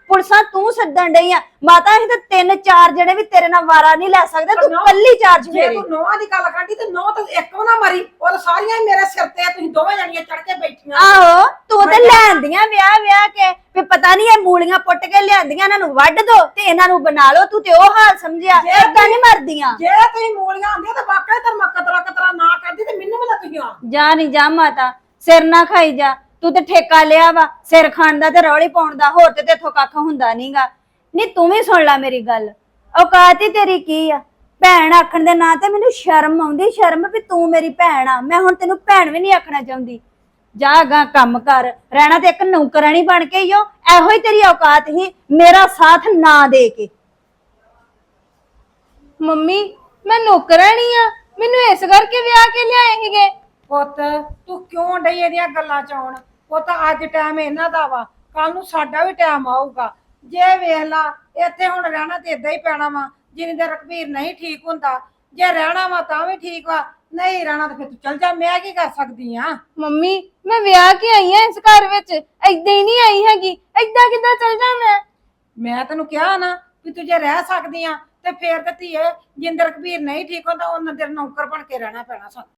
C: ਪੁਲਿਸਾਂ ਤੂੰ ਸੱਦਣ ਡਈ ਆ ਮਾਤਾ ਅਸੀਂ ਤਾਂ ਤਿੰਨ ਚਾਰ ਜਣੇ ਵੀ ਤੇਰੇ ਨਾਲ ਵਾਰਾ ਨਹੀਂ ਲੈ ਸਕਦੇ ਤੂੰ ਕੱਲੀ ਚਾਰਜ
B: ਜੇ
C: ਫੇਰੀ
B: ਤੂੰ ਨੋਹਾਂ ਦੀ ਗੱਲ ਕਰਦੀ ਤੇ ਨੋਹ ਤਾਂ ਇੱਕ ਵੀ ਨਾ ਮਰੀ ਉਹ ਤਾਂ ਸਾਰੀਆਂ ਹੀ ਮੇਰੇ ਸਿਰ ਤੇ ਆ, ਤੁਸੀਂ ਦੋਵੇਂ ਜਣੀਆਂ ਚੜ ਕੇ ਬੈਠੀਆਂ
C: ਆਹੋ ਤੂੰ ਤੇ ਲੈਂਦੀਆਂ ਵਿਆਹ ਵਿਆਹ ਕੇ ਵੀ ਪਤਾ ਨਹੀਂ ਇਹ ਮੂਲੀਆਂ ਪੁੱਟ ਕੇ ਲਿਆਂਦੀਆਂ ਇਹਨਾਂ ਨੂੰ ਵੱਢ ਦੋ ਤੇ ਇਹਨਾਂ ਨੂੰ ਬਣਾ ਲਓ ਤੂੰ ਤੇ ਉਹ ਹਾਲ ਸਮਝਿਆ ਏਦਾਂ ਨਹੀਂ ਮਰਦੀਆਂ
B: ਜੇ ਤੁਸੀਂ ਮੂਲੀਆਂ ਹੁੰਦੀਆਂ ਤਾਂ ਵਾਕਈ ਤੇ ਮੈਂ ਕਤਰਾ ਕਤਰਾ ਨਾ ਕਰਦੀ ਤੇ ਮੈਨੂੰ ਵੀ ਨਾ ਤੁਸੀਂ ਆ
C: ਜਾ ਨਹੀਂ ਜਾ ਮਾਤਾ ਸਿਰ ਨਾ ਖਾਈ ਜਾ ਤੂੰ ਤੇ ਠੇਕਾ ਲਿਆ ਵਾ ਸਿਰ ਖਾਣ ਦਾ ਤੇ ਰੌਲੀ ਪਾਉਣ ਦਾ ਹੋਰ ਤੇ ਤੇਥੋਂ ਕੱਖ ਹੁੰਦਾ ਨਹੀਂਗਾ ਨਹੀਂ ਤੂੰ ਵੀ ਸੁਣ ਲੈ ਮੇਰੀ ਗੱਲ ਔਕਾਤ ਹੀ ਤੇਰੀ ਕੀ ਆ ਭੈਣ ਆਖਣ ਦੇ ਨਾਂ ਤੇ ਮੈਨੂੰ ਸ਼ਰਮ ਆਉਂਦੀ ਸ਼ਰਮ ਵੀ ਤੂੰ ਮੇਰੀ ਭੈਣ ਆ ਮੈਂ ਹੁਣ ਤੈਨੂੰ ਭੈਣ ਵੀ ਨਹੀਂ ਆਖਣਾ ਚਾਹੁੰਦੀ ਜਾ ਗਾ ਕੰਮ ਕਰ ਰਹਿਣਾ ਤੇ ਇੱਕ ਨੌਕਰਾਣੀ ਬਣ ਕੇ ਹੀ ਹੋ ਇਹੋ ਹੀ ਤੇਰੀ ਔਕਾਤ ਹੀ ਮੇਰਾ ਸਾਥ ਨਾ ਦੇ ਕੇ
F: ਮੰਮੀ ਮੈਂ ਨੌਕਰਾਣੀ ਆ ਮੈਨੂੰ ਇਸ ਕਰਕੇ ਵਿਆਹ ਕੇ ਲਿਆਏ ਸੀਗੇ
B: ਪੁੱਤ ਤੂੰ ਕਿਉਂ ਡਈ ਇਹਦੀਆਂ ਗੱਲਾਂ ਚ ਆਉਣ ਪੁੱਤ ਅੱਜ ਟਾਈਮ ਇਹਨਾਂ ਦਾ ਵਾ ਕੱਲ ਨੂੰ ਸਾਡਾ ਵੀ ਟਾਈਮ ਆਊਗਾ ਜੇ ਵੇਖ ਲਾ ਇੱਥੇ ਹੁਣ ਰਹਿਣਾ ਤੇ ਇਦਾਂ ਹੀ ਪੈਣਾ ਵਾ ਜਿੰਨੀ ਦੇਰ ਰਘਬੀਰ ਨਹੀਂ ਠੀਕ ਹੁੰਦਾ ਜੇ ਰਹਿਣਾ ਵਾ ਤਾਂ ਵੀ ਠੀਕ ਵਾ ਨਹੀਂ ਰਹਿਣਾ ਤਾਂ ਫਿਰ ਤੂੰ ਚੱਲ ਜਾ ਮੈਂ ਕੀ ਕਰ ਸਕਦੀ ਆ
F: ਮੰਮੀ ਮੈਂ ਵਿਆਹ ਕੇ ਆਈ ਆ ਇਸ ਘਰ ਵਿੱਚ ਏਦਾਂ ਹੀ ਨਹੀਂ ਆਈ ਹੈਗੀ ਏਦਾਂ ਕਿੱਦਾਂ ਚੱਲ ਜਾ ਮੈਂ
B: ਮੈਂ ਤੈਨੂੰ ਕਿਹਾ ਨਾ ਵੀ ਤੂੰ ਜੇ ਰਹਿ ਸਕਦੀ ਆ ਤੇ ਫੇਰ ਤੇ ਧੀਏ ਜਿੰਦਰ ਰਘਬੀਰ ਨਹੀਂ ਠੀਕ ਹੁੰਦਾ ਉਹਨਾਂ ਦੇ ਨੌਕਰ ਬਣ ਕੇ ਰਹਿਣਾ ਪੈਣਾ ਸਾਨੂੰ